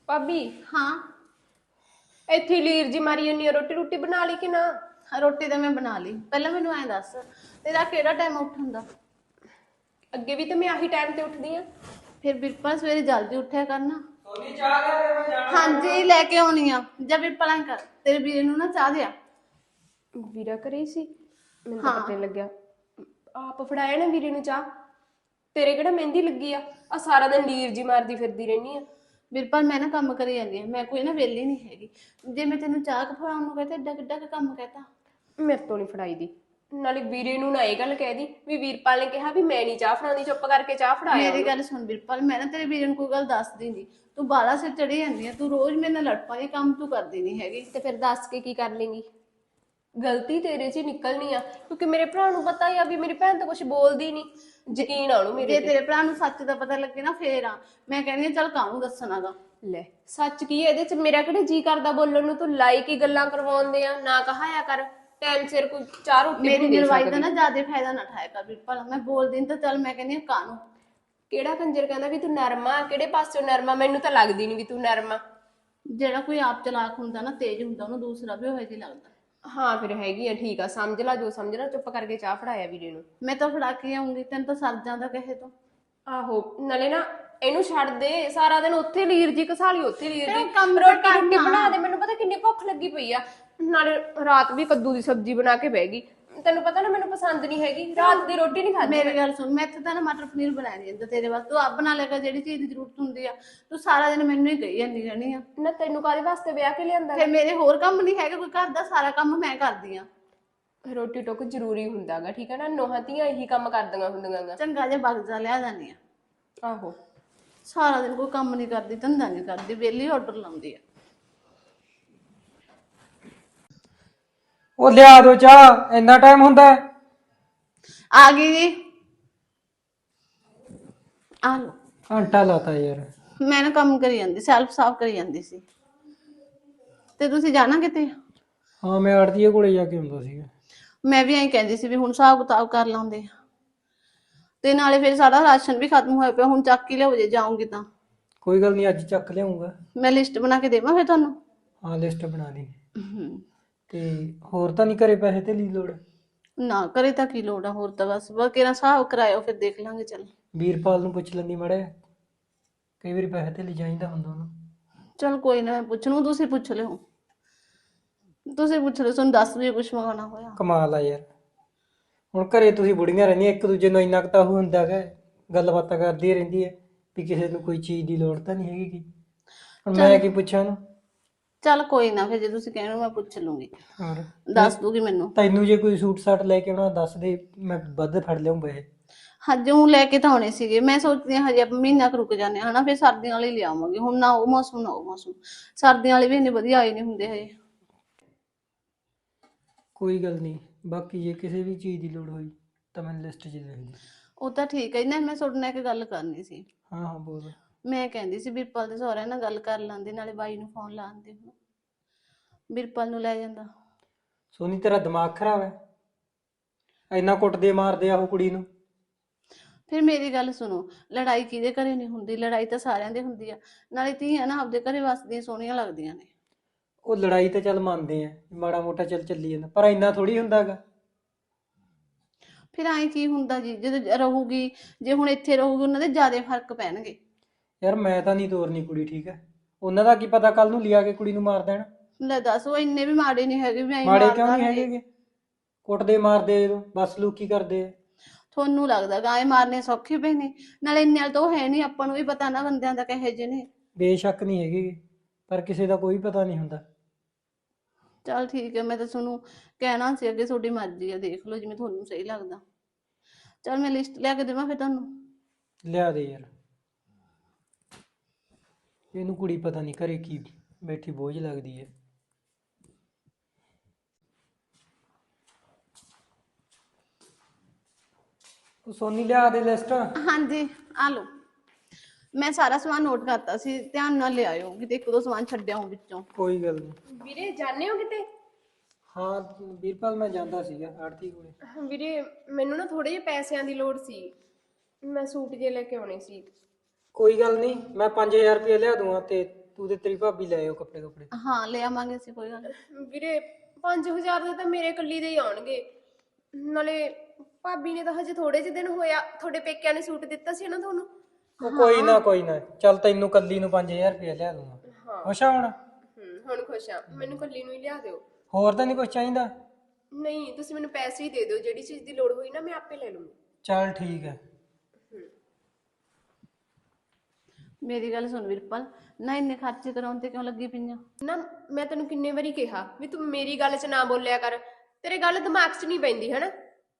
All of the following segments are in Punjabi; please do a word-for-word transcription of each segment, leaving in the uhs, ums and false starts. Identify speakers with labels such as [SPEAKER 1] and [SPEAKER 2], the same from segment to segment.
[SPEAKER 1] ਭਾਬੀ
[SPEAKER 2] हाँ
[SPEAKER 1] ਇੱਥੇ ਲੀਰ ਜੀ ਮਾਰੀ ਜੰਨੀ ਆ, ਰੋਟੀ ਰੋਟੀ ਬਣਾ ਲਈ ਕਿ ਨਾ?
[SPEAKER 2] रोटी तो मैं बना ली। पहले मैनू ऐ दस तेरा केड़ा टाइम उठन दा?
[SPEAKER 1] ਅੱਗੇ ਵੀ ਤਾਂ ਮੈਂ ਆਹੀ ਟਾਈਮ ਤੇ ਉੱਠਦੀ ਆ।
[SPEAKER 2] फिर बिरपा सवेरे जल्दी उठया करना।
[SPEAKER 3] सोनी चाह ले रे मैं जाना।
[SPEAKER 2] हाँ जी लेके आनी आ। जब बिरपा ऐं कर तेरे वीरे नू ना चाह दिया।
[SPEAKER 1] ਵੀਰਾ ਘਰੇ ਹੀ ਸੀ? ਮੈਨੂੰ ਤਾਂ
[SPEAKER 2] ਹਾਂ।
[SPEAKER 1] ਪਤਾ ਨੀ ਲੱਗਿਆ। ਆਪ ਫੜਾਇਆ ਨਾ ਵੀਰੇ ਨੂੰ ਚਾਹ। ਤੇਰੇ ਕਿਹੜਾ ਮਹਿੰਦੀ ਲੱਗੀ ਆ? ਆ ਸਾਰਾ ਦਿਨ ਲੀਰ ਜੀ ਮਾਰਦੀ ਫਿਰਦੀ ਰਹਿਨੀ ਆ।
[SPEAKER 2] बिरपा मैं ना काम करी जानी आ, मैं कोई ना वेली नहीं हैगी। जे मैं तेनू चाह फड़ाउण नू कहता एडा किड्डा काम कहता।
[SPEAKER 1] ਮੇਰੇ ਤੋਂ ਨਹੀਂ ਫੜਾਈ ਦੀ। ਨਾਲੇ ਵੀਰੇ ਨੂੰ ਨਾ ਇਹ ਗੱਲ ਕਹਿ ਦੀ ਵੀ ਵੀਰਪਾਲ ਨੇ ਕਿਹਾ ਵੀ ਮੈਂ ਨਹੀਂ ਚਾਹ ਫੜਾਉਂਦੀ, ਚੁੱਪ ਕਰਕੇ ਚਾਹ ਫੜਾਇਆ।
[SPEAKER 2] मेरी गल सुन बिरपा, मैं ना तेरे वीरे नू कोई गल दस दींदी। तू बाला सिर चढ़ी जांदी आ, तू रोज मेरे नाल लड़ पाई, काम तू करदी नहीं हैगी।
[SPEAKER 1] ਤੇ ਫਿਰ ਦੱਸ ਕੇ ਕੀ ਕਰ ਲੇਂਗੀ? ਗਲਤੀ ਤੇਰੇ 'ਚ ਹੀ ਨਿਕਲਣੀ ਆ, ਕਿਉਂਕਿ ਮੇਰੇ ਭਰਾ ਨੂੰ ਪਤਾ ਹੀ ਆ ਵੀ ਮੇਰੀ ਭੈਣ ਤਾਂ ਕੁਝ ਬੋਲਦੀ ਨਹੀਂ। ਯਕੀਨ ਆ ਉਹਨੂੰ ਮੇਰੇ
[SPEAKER 2] ਜੇ
[SPEAKER 1] ਤੇ।
[SPEAKER 2] तेरे भरा नू सच दा पता लगे ना फेर आ मैं कहनी आ चल कानू दसणागा।
[SPEAKER 1] ਲੈ ਸੱਚ ਕੀ ਇਹਦੇ 'ਚ? ਮੇਰਾ ਕਿਹੜੇ ਜੀ ਕਰਦਾ ਬੋਲਣ ਨੂੰ? ਤੂੰ ਲਾਈ ਕੀ ਗੱਲਾਂ ਕਰਵਾਉਂਦੇ ਆ? ਨਾ ਕਹਾਇਆ ਕਰ ਟਾਈਮ ਸਿਰ ਕੋਈ ਚਾਹ ਰੋਟੀ
[SPEAKER 2] मेरी
[SPEAKER 1] ਵੀ ਨਹੀਂ ਦੇ
[SPEAKER 2] निरवाई
[SPEAKER 1] ਸਕਦੀ।
[SPEAKER 2] का ना ज्यादा फायदा ना उठाया कर बिरपा, मैं बोल दी तो चल मैं कहनी आ कानू।
[SPEAKER 1] ਕਿਹੜਾ ਕੰਜਰ ਕਹਿੰਦਾ ਵੀ ਤੂੰ ਨਰਮਾ? ਕਿਹੜੇ ਪਾਸਿਓਂ ਨਰਮਾ? ਮੈਨੂੰ ਤਾਂ ਲੱਗਦੀ ਨਹੀਂ ਵੀ ਤੂੰ ਨਰਮਾ।
[SPEAKER 2] ਜਿਹੜਾ ਕੋਈ ਆਪ ਚਲਾਕ ਹੁੰਦਾ ਨਾ, ਤੇਜ਼ ਹੁੰਦਾ, ਉਹਨੂੰ ਦੂਸਰਾ ਵੀ ਉਹੋ ਜਿਹਾ ਲੱਗਦਾ।
[SPEAKER 1] ਹਾਂ ਫਿਰ ਹੈਗੀ ਆ, ਠੀਕ ਆ, ਸਮਝ ਲਾ ਜੋ ਸਮਝਣਾ। ਚੁੱਪ ਕਰਕੇ ਚਾਹ ਫੜਾਇਆ ਵੀਰੇ ਨੂੰ।
[SPEAKER 2] ਮੈਂ ਤਾਂ ਫੜਾ ਕੇ ਆਉਂਗੀ, ਤੈਨੂੰ ਤਾਂ ਸਰ ਜਾਂਦਾ ਕਹੇ ਤੋਂ।
[SPEAKER 1] ਆਹੋ ਨਾਲੇ ਨਾ ਇਹਨੂੰ ਛੱਡ ਦੇ, ਸਾਰਾ ਦਿਨ ਉੱਥੇ ਲੀਰ ਜੀ ਘਸਾਲੀ, ਉੱਥੇ ਲੀਰ
[SPEAKER 2] ਫਿਰ
[SPEAKER 1] ਜੀ।
[SPEAKER 2] ਉਹ ਕੰਮ ਤਾਂ
[SPEAKER 1] ਰੋਟੀ ਰੋਟੀ
[SPEAKER 2] ਕਰਨਾ।
[SPEAKER 1] ਬਣਾ ਦੇ, ਮੈਨੂੰ ਪਤਾ ਕਿੰਨੀ ਭੁੱਖ ਲੱਗੀ ਪਈ ਆ। ਨਾਲੇ ਰਾਤ ਵੀ ਕੱਦੂ ਦੀ ਸਬਜ਼ੀ ਬਣਾ ਕੇ ਬਹਿ ਗਈ। ਤੈਨੂੰ ਪਤਾ ਨਾ ਮੈਨੂੰ ਪਸੰਦ ਨਹੀਂ ਹੈਗੀ, ਰਾਤ ਦੀ ਰੋਟੀ ਨਹੀਂ ਖਾਦੀ।
[SPEAKER 2] ਮੇਰੀ ਗੱਲ ਸੁਣ, ਮੈਂ ਇੱਥੇ ਤਾਂ ਨਾ ਮਟਰ ਪਨੀਰ ਬਣਾਇਆ ਨਹੀਂ ਜਾਂਦਾ ਤੇਰੇ ਵਾਸਤੇ। ਤੂੰ ਆਪ ਬਣਾ ਲੈ ਕਰ, ਜਿਹੜੀ ਚੀਜ਼ ਦੀ ਜ਼ਰੂਰਤ ਹੁੰਦੀ ਆ। ਤੂੰ ਸਾਰਾ ਦਿਨ ਮੈਨੂੰ ਹੀ ਕਹੀ ਜਾਂਦੀ ਰਹਿਣੀ ਆ।
[SPEAKER 1] ਨਾ ਤੈਨੂੰ ਕਾਹਦੇ ਵਾਸਤੇ ਵਿਆਹ ਕੇ ਲਿਆਂਦਾ?
[SPEAKER 2] ਫਿਰ ਮੇਰੇ ਹੋਰ ਕੰਮ ਨਹੀਂ ਹੈਗੇ ਕੋਈ, ਘਰ ਦਾ ਸਾਰਾ ਕੰਮ ਮੈਂ ਕਰਦੀ ਆ।
[SPEAKER 1] ਰੋਟੀ ਟੁੱਕ ਜ਼ਰੂਰੀ ਹੁੰਦਾਗਾ, ਠੀਕ ਹੈ ਨਾ? ਨੋਹਾਂ ਧੀਆਂ ਇਹੀ ਕੰਮ ਕਰਦੀਆਂ ਹੁੰਦੀਆਂ।
[SPEAKER 2] ਚੰਗਾ ਜਿਹਾ ਬਗਜ਼ਾ ਲਿਆ ਜਾਂਦੀ ਆ।
[SPEAKER 1] ਆਹੋ
[SPEAKER 2] ਸਾਰਾ ਦਿਨ ਕੋਈ ਕੰਮ ਨਹੀਂ ਕਰਦੀ, ਧੰਦਾ ਨਹੀਂ ਕਰਦੀ, ਵਿਹਲੀ ਆਰਡਰ ਲਾਉਂਦੀ ਆ।
[SPEAKER 3] ਉਹ ਲਿਆ ਦੋ ਚਾਹ, ਇੰਨਾ ਟਾਈਮ ਹੁੰਦਾ ਹੈ?
[SPEAKER 2] ਆ ਗਈ ਜੀ, ਆ ਲੋ।
[SPEAKER 3] ਘੰਟਾ ਲਾਤਾ ਯਾਰ।
[SPEAKER 2] ਮੈਂ ਨਾ ਕੰਮ ਕਰੀ ਜਾਂਦੀ, ਸੈਲਫ ਸਾਫ ਕਰੀ ਜਾਂਦੀ ਸੀ। ਤੇ ਤੁਸੀਂ ਜਾਣਾ ਕਿਤੇ?
[SPEAKER 3] ਹਾਂ ਮੈਂ ਆੜਤੀਏ ਕੋਲੇ ਜਾ ਕੇ ਹੁੰਦਾ ਸੀਗਾ।
[SPEAKER 2] ਮੈਂ ਵੀ ਐਂ ਕਹਿੰਦੀ ਸੀ ਵੀ ਹੁਣ ਹਿਸਾਬ ਕਿਤਾਬ ਕਰ ਲਾਉਂਦੇ ਆ। ਤੇ ਨਾਲੇ ਫਿਰ ਸਾਡਾ ਰਾਸ਼ਨ ਵੀ ਖਤਮ ਹੋਇਆ ਪਿਆ, ਹੁਣ ਚੱਕ ਹੀ ਲਿਆਓ ਜੇ ਜਾਉਂਗੀ ਤਾਂ।
[SPEAKER 3] ਕੋਈ ਗੱਲ ਨਹੀਂ, ਅੱਜ ਚੱਕ ਲਿਆਉਂਗਾ।
[SPEAKER 2] ਮੈਂ ਲਿਸਟ ਬਣਾ ਕੇ ਦੇਵਾਂ ਫਿਰ ਤੁਹਾਨੂੰ?
[SPEAKER 3] ਹਾਂ ਲਿਸਟ ਬਣਾ ਦੀ।
[SPEAKER 2] ਹਮ,
[SPEAKER 3] ਤੇ ਹੋਰ ਤਾਂ ਨਹੀਂ ਘਰੇ ਪੈਸੇ ਤੇ ਲਈ ਲੋੜ?
[SPEAKER 2] ਨਾ ਕਰੇ ਤਾਂ ਕੀ ਲੋੜ ਆ, ਹੋਰ ਤਾਂ ਬਸ ਬਸ ਕਿਹੜਾ ਹਿਸਾਬ ਕਰਾਇਓ, ਫਿਰ ਦੇਖ ਲਾਂਗੇ। ਚੱਲ
[SPEAKER 3] ਵੀਰਪਾਲ ਨੂੰ ਪੁੱਛ ਲੈਂਦੀ ਮੜੇ, ਕਈ ਵਾਰੀ ਪੈਸੇ ਤੇ ਲਈ ਚਾਹੀਦਾ ਹੁੰਦਾ ਉਹਨੂੰ।
[SPEAKER 2] ਚਲ ਕੋਈ ਨਾ, ਮੈਂ ਪੁੱਛ ਲੂੰ, ਤੁਸੀਂ ਪੁੱਛ ਲਿਓ। ਤੁਸੀਂ ਪੁੱਛ ਲਿਓ, ਤੁਹਾਨੂੰ ਦੱਸ ਵੀ ਕੁਛ ਮੰਗਾਉਣਾ ਹੋਇਆ।
[SPEAKER 3] ਕਮਾਲ ਆ ਯਾਰ, ਹੁਣ ਘਰੇ ਤੁਸੀਂ ਬੁੜੀਆਂ ਰਹਿੰਦੀਆਂ, ਇੱਕ ਦੂਜੇ ਨੂੰ ਇੰਨਾ ਕੁ ਤਾਂ ਉਹ ਹੁੰਦਾ ਗਾ, ਗੱਲਬਾਤਾਂ ਕਰਦੀ ਰਹਿੰਦੀ ਹੈ ਵੀ ਕਿਸੇ ਨੂੰ ਕੋਈ ਚੀਜ਼ ਦੀ ਲੋੜ ਤਾਂ ਨਹੀਂ ਹੈਗੀ। ਹੁਣ ਮੈਂ ਕੀ ਪੁੱਛਾਂ ਉਹਨੂੰ?
[SPEAKER 2] ਚੱਲ ਕੋਈ ਨਾ, ਫਿਰ ਜੇ ਤੁਸੀਂ ਕਹਿਣਾ ਮੈਂ ਪੁੱਛ ਲੂੰਗੀ,
[SPEAKER 3] ਹੋਰ
[SPEAKER 2] ਦੱਸ ਦੂਗੀ ਮੈਨੂੰ।
[SPEAKER 3] ਤੈਨੂੰ ਜੇ ਕੋਈ ਸੂਟ ਸਾਟ ਲੈ ਕੇ ਆਉਣਾ ਦੱਸ ਦੇ, ਮੈਂ ਵੱਧ ਫੜ ਲਿਆਉਂ ਪੈਸੇ।
[SPEAKER 2] ਹਜੇ ਉਹ ਲੈ ਕੇ ਤਾਂ ਆਉਣੇ ਸੀਗੇ, ਮੈਂ ਸੋਚਦੀ ਹਾਂ ਹਜੇ ਆਪਾਂ ਮਹੀਨਾ ਕੁ ਰੁਕ ਜਾਂਦੇ ਹਾਂ ਹਨਾ, ਫਿਰ ਸਰਦੀਆਂ ਵਾਲੇ ਲਿਆਵਾਂਗੇ। ਹੁਣ ਨਾ ਉਹ ਮੌਸਮ ਨਾ ਉਹ ਮੌਸਮ, ਸਰਦੀਆਂ ਵਾਲੇ ਵੀ ਇੰਨੇ ਵਧੀਆ ਆਏ ਨਹੀਂ ਹੁੰਦੇ ਹਜੇ।
[SPEAKER 3] ਕੋਈ ਗੱਲ ਨਹੀਂ, ਬਾਕੀ ਜੇ ਕਿਸੇ ਵੀ ਚੀਜ਼ ਦੀ ਲੋੜ ਹੋਈ ਤਾਂ ਮੈਨੂੰ ਲਿਸਟ 'ਚ ਲਿਖ ਦੇ।
[SPEAKER 2] ਉਹ ਤਾਂ ਠੀਕ ਹੈ ਨਾ, ਮੈਂ ਤੁਹਾਡੇ ਨਾਲ ਇੱਕ ਗੱਲ ਕਰਨੀ ਸੀ।
[SPEAKER 3] ਹਾਂ ਹਾਂ ਬੋਲ।
[SPEAKER 2] ਮੈਂ ਕਹਿੰਦੀ ਸੀ ਬਿਰਪਾਲ ਦੇ ਸਹੁਰਿਆਂ ਨਾਲ ਗੱਲ ਕਰ ਲਾਂਦੇ, ਨਾਲੇ ਬਾਈ ਨੂੰ ਫੋਨ ਲਾਉਂਦੇ, ਹੁਣ ਬਿਰਪਾਲ ਨੂੰ ਲੈ ਜਾਂਦਾ।
[SPEAKER 3] ਸੋਨੀ ਤੇਰਾ ਦਿਮਾਗ ਖਰਾਬ ਹੈ? ਇੰਨਾ ਕੁੱਟਦੇ ਮਾਰਦੇ ਆ ਉਹ ਕੁੜੀ ਨੂੰ।
[SPEAKER 2] ਫਿਰ ਮੇਰੀ ਗੱਲ ਸੁਣੋ, ਲੜਾਈ ਕਿਹਦੇ ਘਰੇ ਨਹੀਂ ਹੁੰਦੀ? ਲੜਾਈ ਤਾਂ ਸਾਰਿਆਂ ਦੇ ਹੁੰਦੀ ਆ। ਨਾਲੇ ਧੀਆਂ ਨਾ ਆਪਦੇ ਘਰੇ ਵਸਦੀਆਂ ਸੋਹਣੀਆਂ ਲੱਗਦੀਆਂ ਨੇ।
[SPEAKER 3] ਉਹ ਲੜਾਈ ਤਾਂ ਚੱਲ ਮੰਨਦੇ ਆ, ਮਾੜਾ ਮੋਟਾ ਚੱਲ ਚੱਲੀ ਜਾਂਦਾ, ਪਰ ਇੰਨਾ ਥੋੜੀ ਹੁੰਦਾ ਗਾ।
[SPEAKER 2] ਫਿਰ ਐਂ ਕੀ ਹੁੰਦਾ ਜੀ, ਜਦੋਂ ਰਹੂਗੀ, ਜੇ ਹੁਣ ਇੱਥੇ ਰਹੂਗੀ ਉਹਨਾਂ ਦੇ ਜ਼ਿਆਦਾ ਫਰਕ ਪੈਣਗੇ।
[SPEAKER 3] ਯਾਰ ਮੈਂ ਤਾਂ ਨਹੀਂ ਤੋਰਨੀ ਕੁੜੀ, ਠੀਕ ਹੈ? ਉਹਨਾਂ ਦਾ ਕੀ ਪਤਾ ਕੱਲ ਨੂੰ ਲਿਆ ਕੇ ਕੁੜੀ ਨੂੰ ਮਾਰ ਦੇਣ।
[SPEAKER 2] ਲੈ ਦੱਸ, ਉਹ ਇੰਨੇ ਵੀ ਮਾੜੇ ਨਹੀਂ ਹੈਗੇ ਵੀ ਐਂ
[SPEAKER 3] ਮਾੜੇ
[SPEAKER 2] ਮਾਰਦਾ
[SPEAKER 3] ਕਿਉਂ ਨਹੀਂ
[SPEAKER 2] ਰਹੇ।
[SPEAKER 3] ਹੈਗੇ? ਕੁੱਟਦੇ ਮਾਰਦੇ ਜਦੋਂ ਬਸ ਲੋਕੀ ਕਰਦੇ ਆ।
[SPEAKER 2] ਤੁਹਾਨੂੰ ਲੱਗਦਾ ਗਾਏ ਮਾਰਨੇ ਸੌਖੇ ਪਏ ਨੇ? ਨਾਲੇ ਇੰਨੇ ਵਾਲ ਤਾਂ ਉਹ ਹੈ ਨਹੀਂ, ਆਪਾਂ ਨੂੰ ਵੀ ਪਤਾ ਨਾ ਬੰਦਿਆਂ ਦਾ ਕਹੇ ਜਿਹੇ ਨੇ।
[SPEAKER 3] ਬੇਸ਼ੱਕ ਨਹੀਂ ਹੈਗੇ, ਪਰ ਕਿਸੇ ਦਾ ਕੋਈ ਪਤਾ ਨਹੀਂ ਹੁੰਦਾ।
[SPEAKER 2] ਚੱਲ ਠੀਕ ਹੈ, ਮੈਂ ਤਾਂ ਤੁਹਾਨੂੰ ਕਹਿਣਾ ਸੀ ਅੱਗੇ, ਤੁਹਾਡੀ ਮਰਜ਼ੀ ਆ, ਦੇਖ ਲਓ ਜਿਵੇਂ ਤੁਹਾਨੂੰ ਸਹੀ ਲੱਗਦਾ। ਚੱਲ ਮੈਂ ਲਿਸਟ ਲਿਆ ਕੇ ਦੇਵਾਂ ਫਿਰ ਤੁਹਾਨੂੰ?
[SPEAKER 3] ਲਿਆ ਦੇ ਯਾਰ, ਇਹਨੂੰ ਕੁੜੀ ਪਤਾ ਨਹੀਂ ਘਰੇ ਕੀ ਬੈਠੀ ਬੋਝ ਲੱਗਦੀ ਹੈ। ਉਹ ਸੋਨੀ ਲਿਆ ਦੇ ਲਿਸਟ।
[SPEAKER 2] ਹਾਂਜੀ ਆ ਲਓ, ਮੈਂ ਸਾਰਾ ਸਮਾਨ ਨੋਟ ਕਰਤਾ ਸੀ, ਧਿਆਨ ਨਾਲ ਲਿਆਇਓ, ਕਿਤੇ ਇੱਕ ਦੋ ਸਮਾਨ ਛੱਡਿਆ ਹੋ ਵਿੱਚੋਂ।
[SPEAKER 3] ਕੋਈ ਗੱਲ ਨਹੀਂ।
[SPEAKER 1] ਵੀਰੇ ਜਾਣੇ ਹੋ ਕਿਤੇ?
[SPEAKER 3] ਹਾਂ ਵੀਰਪਾਲ ਮੈਂ ਜਾਂਦਾ ਸੀਗਾ ਆੜਤੀ ਕੋਲੇ।
[SPEAKER 1] ਵੀਰੇ ਮੈਨੂੰ ਨਾ ਥੋੜੇ ਜਿਹੇ ਪੈਸਿਆਂ ਦੀ ਲੋੜ ਸੀ, ਮੈਂ ਸੂਟ ਜੇ ਲੈ ਕੇ ਆਉਣੇ ਸੀ।
[SPEAKER 3] ਕੋਈ ਗੱਲ ਨਹੀਂ, ਮੈਂ ਪੰਜ ਹਜ਼ਾਰ ਰੁਪਏ ਲਿਆ ਦੂੰਗਾ ਤੇ ਤੂੰ ਤੇ ਤੇਰੀ ਭਾਬੀ ਲੈ ਆਓ ਕੱਪੜੇ ਕੱਪੜੇ।
[SPEAKER 2] ਹਾਂ ਲੈ ਆਵਾਂਗੇ ਅਸੀਂ, ਕੋਈ ਗੱਲ ਨੀ।
[SPEAKER 1] ਵੀਰੇ ਪੰਜ ਹਜ਼ਾਰ ਦੇ ਤਾਂ ਮੇਰੇ ਇਕੱਲੀ ਦੇ ਹੀ ਆਉਣਗੇ। ਨਾਲੇ ਭਾਬੀ ਨੇ ਤਾਂ ਹਜੇ ਥੋੜੇ ਜਿਹੇ ਦਿਨ ਹੋਇਆ, ਤੁਹਾਡੇ ਪੇਕਿਆਂ ਨੇ ਸੂਟ ਦਿੱਤਾ ਸੀ ਨਾ ਤੁਹਾਨੂੰ।
[SPEAKER 3] ਉਹ ਕੋਈ ਨਾ ਕੋਈ ਨਾ, ਚੱਲ ਤੈਨੂੰ ਕੱਲੀ ਨੂੰ ਪੰਜ ਹਜ਼ਾਰ ਰੁਪਇਆ ਲਿਆ ਦੂੰਗਾ।
[SPEAKER 1] ਹਾਂ
[SPEAKER 3] ਖੁਸ਼ ਆ ਹੁਣ?
[SPEAKER 1] ਹੂੰ ਹੁਣ ਖੁਸ਼ ਆ, ਮੈਨੂੰ ਇਕੱਲੀ ਨੂੰ ਹੀ ਲਿਆ ਦਿਓ।
[SPEAKER 3] ਹੋਰ ਤਾਂ ਨਹੀਂ ਕੁਝ ਚਾਹੀਦਾ?
[SPEAKER 1] ਨਹੀਂ ਤੁਸੀਂ ਮੈਨੂੰ ਪੈਸੇ ਹੀ ਦੇ ਦਿਓ, ਜਿਹੜੀ ਚੀਜ਼ ਦੀ ਲੋੜ ਹੋਈ ਨਾ ਮੈਂ ਆਪੇ ਲੈ ਲੂੰਗੀ।
[SPEAKER 3] ਚੱਲ ਠੀਕ ਹੈ।
[SPEAKER 2] ਮੇਰੀ ਗੱਲ ਸੁਣ ਵੀਰਪਾਲ, ਨਾ ਇੰਨੇ ਖਰਚੇ ਕਰਾਉਣ ਤੇ ਕਿਉਂ ਲੱਗੀ ਪਈਆਂ?
[SPEAKER 1] ਨਾ ਮੈਂ ਤੈਨੂੰ ਕਿੰਨੇ ਵਾਰੀ ਕਿਹਾ ਵੀ ਤੂੰ ਮੇਰੀ ਗੱਲ 'ਚ ਨਾ ਬੋਲਿਆ ਕਰ, ਤੇਰੇ ਗੱਲ ਦਿਮਾਗ 'ਚ ਨਹੀਂ ਪੈਂਦੀ ਹਨਾ।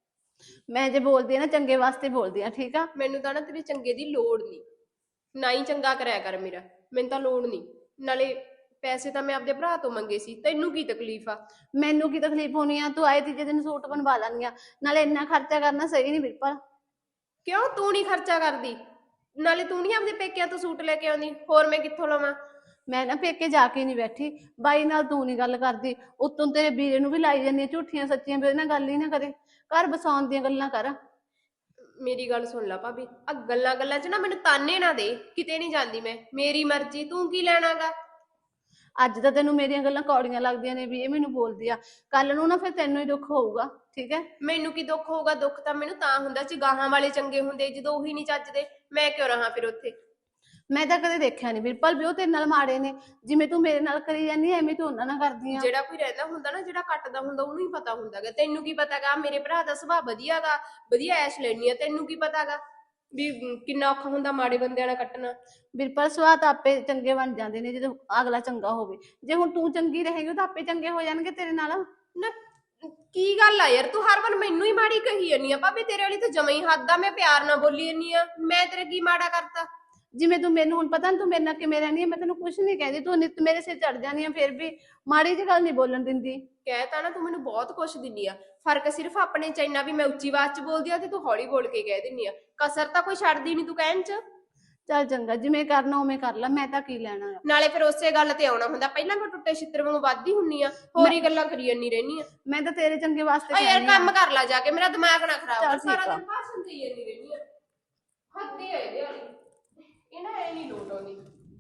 [SPEAKER 2] ਮੈਂ ਜੇ ਬੋਲਦੀ ਆ ਨਾ ਚੰਗੇ ਵਾਸਤੇ ਬੋਲਦੀ ਆ, ਠੀਕ ਆ?
[SPEAKER 1] ਮੈਨੂੰ ਤਾਂ ਨਾ ਤੇਰੇ ਚੰਗੇ ਦੀ ਲੋੜ ਨਹੀਂ, ਨਾ ਹੀ ਚੰਗਾ ਕਰਿਆ ਕਰ ਮੇਰਾ, ਮੈਨੂੰ ਤਾਂ ਲੋੜ ਨਹੀਂ। ਨਾਲੇ ਪੈਸੇ ਤਾਂ ਮੈਂ ਆਪਦੇ ਭਰਾ ਤੋਂ ਮੰਗੇ ਸੀ, ਤੈਨੂੰ ਕੀ ਤਕਲੀਫ ਆ?
[SPEAKER 2] ਮੈਨੂੰ ਕੀ ਤਕਲੀਫ ਹੋਣੀ ਆ? ਤੂੰ ਆਏ ਤੀਜੇ ਦਿਨ ਸੂਟ ਬਣਵਾ ਲਾਂਗੀ, ਨਾਲੇ ਇੰਨਾ ਖਰਚਾ ਕਰਨਾ ਸਹੀ ਨਹੀਂ ਵੀਰਪਾਲ।
[SPEAKER 1] ਕਿਉਂ ਤੂੰ ਨਹੀਂ ਖਰਚਾ ਕਰਦੀ? ਨਾਲੇ ਤੂੰ ਨਹੀਂ ਆਪਦੇ ਪੇਕਿਆਂ ਤੋਂ ਸੂਟ ਲੈ ਕੇ ਆਉਂਦੀ, ਹੋਰ ਮੈਂ ਕਿੱਥੋਂ ਲਵਾਂ?
[SPEAKER 2] ਮੈਂ ਨਾ ਪੇਕੇ ਜਾ ਕੇ ਨਹੀਂ ਬੈਠੀ, ਬਾਈ ਨਾਲ ਤੂੰ ਨਹੀਂ ਗੱਲ ਕਰਦੀ, ਉੱਤੋਂ ਤੇਰੇ ਵੀਰੇ ਨੂੰ ਵੀ ਲਾਈ ਜਾਂਦੀ ਝੂਠੀਆਂ ਸੱਚੀਆਂ, ਵੀ ਉਹਦੇ ਨਾਲ ਗੱਲ ਹੀ ਨਾ ਕਰੇ, ਘਰ ਬਸਾਉਣ ਦੀਆਂ ਗੱਲਾਂ ਕਰ।
[SPEAKER 1] ਮੇਰੀ ਗੱਲ ਸੁਣ ਲੈ ਭਾਬੀ, ਆ ਗੱਲਾਂ ਗੱਲਾਂ 'ਚ ਨਾ ਮੈਨੂੰ ਤਾਨੇ ਨਾ ਦੇ, ਕਿਤੇ ਨਹੀਂ ਜਾਂਦੀ ਮੈਂ, ਮੇਰੀ ਮਰਜ਼ੀ, ਤੂੰ ਕੀ ਲੈਣਾਗਾ?
[SPEAKER 2] ਅੱਜ ਤਾਂ ਤੈਨੂੰ ਮੇਰੀਆਂ ਗੱਲਾਂ ਕੌੜੀਆਂ ਲੱਗਦੀਆਂ ਨੇ ਵੀ ਇਹ ਮੈਨੂੰ ਬੋਲਦੀ ਆ, ਕੱਲ ਨੂੰ ਨਾ ਫਿਰ ਤੈਨੂੰ ਹੀ ਦੁੱਖ ਹੋਊਗਾ, ਠੀਕ ਹੈ?
[SPEAKER 1] ਮੈਨੂੰ ਕੀ ਦੁੱਖ ਹੋਊਗਾ? ਦੁੱਖ ਤਾਂ ਮੈਨੂੰ ਤਾਂ ਹੁੰਦਾ ਸੀ ਗਾਹਾਂ ਵਾਲੇ ਚੰਗੇ ਹੁੰਦੇ, ਜਦੋਂ ਉਹੀ ਨਹੀਂ ਚੱਜਦੇ ਮੈਂ ਕਿਉਂ ਰਹਾ ਫਿਰ ਉੱਥੇ?
[SPEAKER 2] ਮੈਂ ਤਾਂ ਕਦੇ ਦੇਖਿਆ ਨਹੀਂ ਵੀਰਪਾਲ ਵੀ ਉਹ ਤੇਰੇ ਨਾਲ ਮਾੜੇ ਨੇ, ਜਿਵੇਂ ਤੂੰ ਮੇਰੇ ਨਾਲ ਕਰੀ ਜਾਂਦੀ ਐਵੇਂ ਤੂੰ ਉਹਨਾਂ ਨਾਲ ਕਰਦੀ ਆ।
[SPEAKER 1] ਜਿਹੜਾ ਕੋਈ ਰਹਿੰਦਾ ਹੁੰਦਾ ਨਾ, ਜਿਹੜਾ ਕੱਟਦਾ ਹੁੰਦਾ ਉਹਨੂੰ ਹੀ ਪਤਾ ਹੁੰਦਾਗਾ, ਤੈਨੂੰ ਕੀ ਪਤਾਗਾ? ਮੇਰੇ ਭਰਾ ਦਾ ਸੁਭਾਅ ਵਧੀਆਗਾ, ਵਧੀਆ ਐਸ਼ ਲੈਣੀ ਆ, ਤੈਨੂੰ ਕੀ ਪਤਾਗਾ ਵੀ ਕਿੰਨਾ ਔਖਾ ਹੁੰਦਾ ਮਾੜੇ ਬੰਦਿਆਂ ਨਾਲ ਕੱਟਣਾ?
[SPEAKER 2] ਵੀਰਪਾਲ ਸੁਭਾਅ ਤਾਂ ਆਪੇ ਚੰਗੇ ਬਣ ਜਾਂਦੇ ਨੇ ਜਦੋਂ ਅਗਲਾ ਚੰਗਾ ਹੋਵੇ, ਜੇ ਹੁਣ ਤੂੰ ਚੰਗੀ ਰਹੇਗੀ ਤਾਂ ਆਪੇ ਚੰਗੇ ਹੋ ਜਾਣਗੇ ਤੇਰੇ ਨਾਲ।
[SPEAKER 1] ਨਾ ਕੀ ਗੱਲ ਆ ਯਾਰ, ਤੂੰ ਹਰ ਵਾਰ ਮੈਨੂੰ ਹੀ ਮਾੜੀ ਕਹੀ ਜਾਂਦੀ ਆ ਭਾਬੀ, ਤੇਰੇ ਵਾਲੀ ਤਾਂ ਜਮਾ ਹੀ ਹੱਦ ਆ, ਮੈਂ ਪਿਆਰ ਨਾਲ ਬੋਲੀ ਜਾਂਦੀ ਆ, ਮੈਂ ਤੇਰੇ ਕੀ ਮਾੜਾ ਕਰਤਾ?
[SPEAKER 2] ਜਿਵੇਂ ਤੂੰ ਮੈਨੂੰ ਹੁਣ ਪਤਾ ਨੀ ਤੂੰ ਮੇਰੇ ਨਾਲ ਕਿਵੇਂ ਰਹਿੰਦੀ ਹੈ, ਮੈਂ ਤੈਨੂੰ ਕੁਛ ਨਹੀਂ ਕਹਿੰਦੀ, ਤੂੰ ਨਿੱਤ ਮੇਰੇ ਸਿਰ ਚੜ ਜਾਂਦੀ ਆ, ਫਿਰ ਵੀ ਮਾੜੀ ਜਿਹੀ ਗੱਲ ਨਹੀਂ ਬੋਲਣ ਦਿੰਦੀ।
[SPEAKER 1] ਕਹਿ ਤਾ ਨਾ ਤੂੰ ਮੈਨੂੰ ਬਹੁਤ ਕੁਛ ਦਿੰਦੀ ਆ, ਫਰਕ ਸਿਰਫ ਆਪਣੇ ਚ ਇੰਨਾ ਵੀ ਮੈਂ ਉੱਚੀ ਆਵਾਜ਼ ਚ ਬੋਲਦੀ ਆ ਤੇ ਤੂੰ ਹੌਲੀ ਬੋਲ ਕੇ ਕਹਿ ਦਿੰਦੀ ਆ, ਕਸਰ ਤਾਂ ਕੋਈ ਛੱਡਦੀ ਨਹੀਂ ਤੂੰ ਕਹਿਣ ਚ।
[SPEAKER 2] ਚੱਲ ਚੰਗਾ, ਜਿਵੇਂ ਕਰਨਾ ਉਵੇਂ ਕਰ ਲੈ, ਮੈਂ ਤਾਂ ਕੀ ਲੈਣਾ ਆ।
[SPEAKER 1] ਨਾਲੇ ਫਿਰ ਉਸੇ ਗੱਲ ਤੇ ਆਉਣਾ ਹੁੰਦਾ, ਪਹਿਲਾਂ ਮੈਂ ਟੁੱਟੇ ਛਿੱਤਰ ਵਾਂਗੂ ਵੱਧਦੀ ਹੁੰਨੀ ਆ, ਹੋਰ ਹੀ ਗੱਲਾਂ ਕਰੀ ਜਾਂਦੀ ਰਹਿਨੀ ਆ।
[SPEAKER 2] ਮੈਂ ਤਾਂ ਤੇਰੇ ਚੰਗੇ ਵਾਸਤੇ
[SPEAKER 1] ਆ ਯਾਰ
[SPEAKER 2] ਕਹਿੰਦੀ
[SPEAKER 1] ਕੰਮ ਕਰ ਲੈ ਜਾ ਕੇ, ਮੇਰਾ ਦਿਮਾਗ ਨਾ ਖਰਾਬ ਕਰ,
[SPEAKER 2] ਚੱਲ ਠੀਕ
[SPEAKER 1] ਸਾਰਾ
[SPEAKER 2] ਆ।
[SPEAKER 1] ਦਿਨ ਭਾਸ਼ਣ ਦੇਈ ਜਾਂਦੀ ਰਹਿਨੀ ਆ, ਹੱਦੇ ਆ ਇਹਦੇ ਵਾਲੀ, ਇਹ ਨਾ ਐ ਨਹੀਂ ਲੋਟ ਆਉਂਦੀ,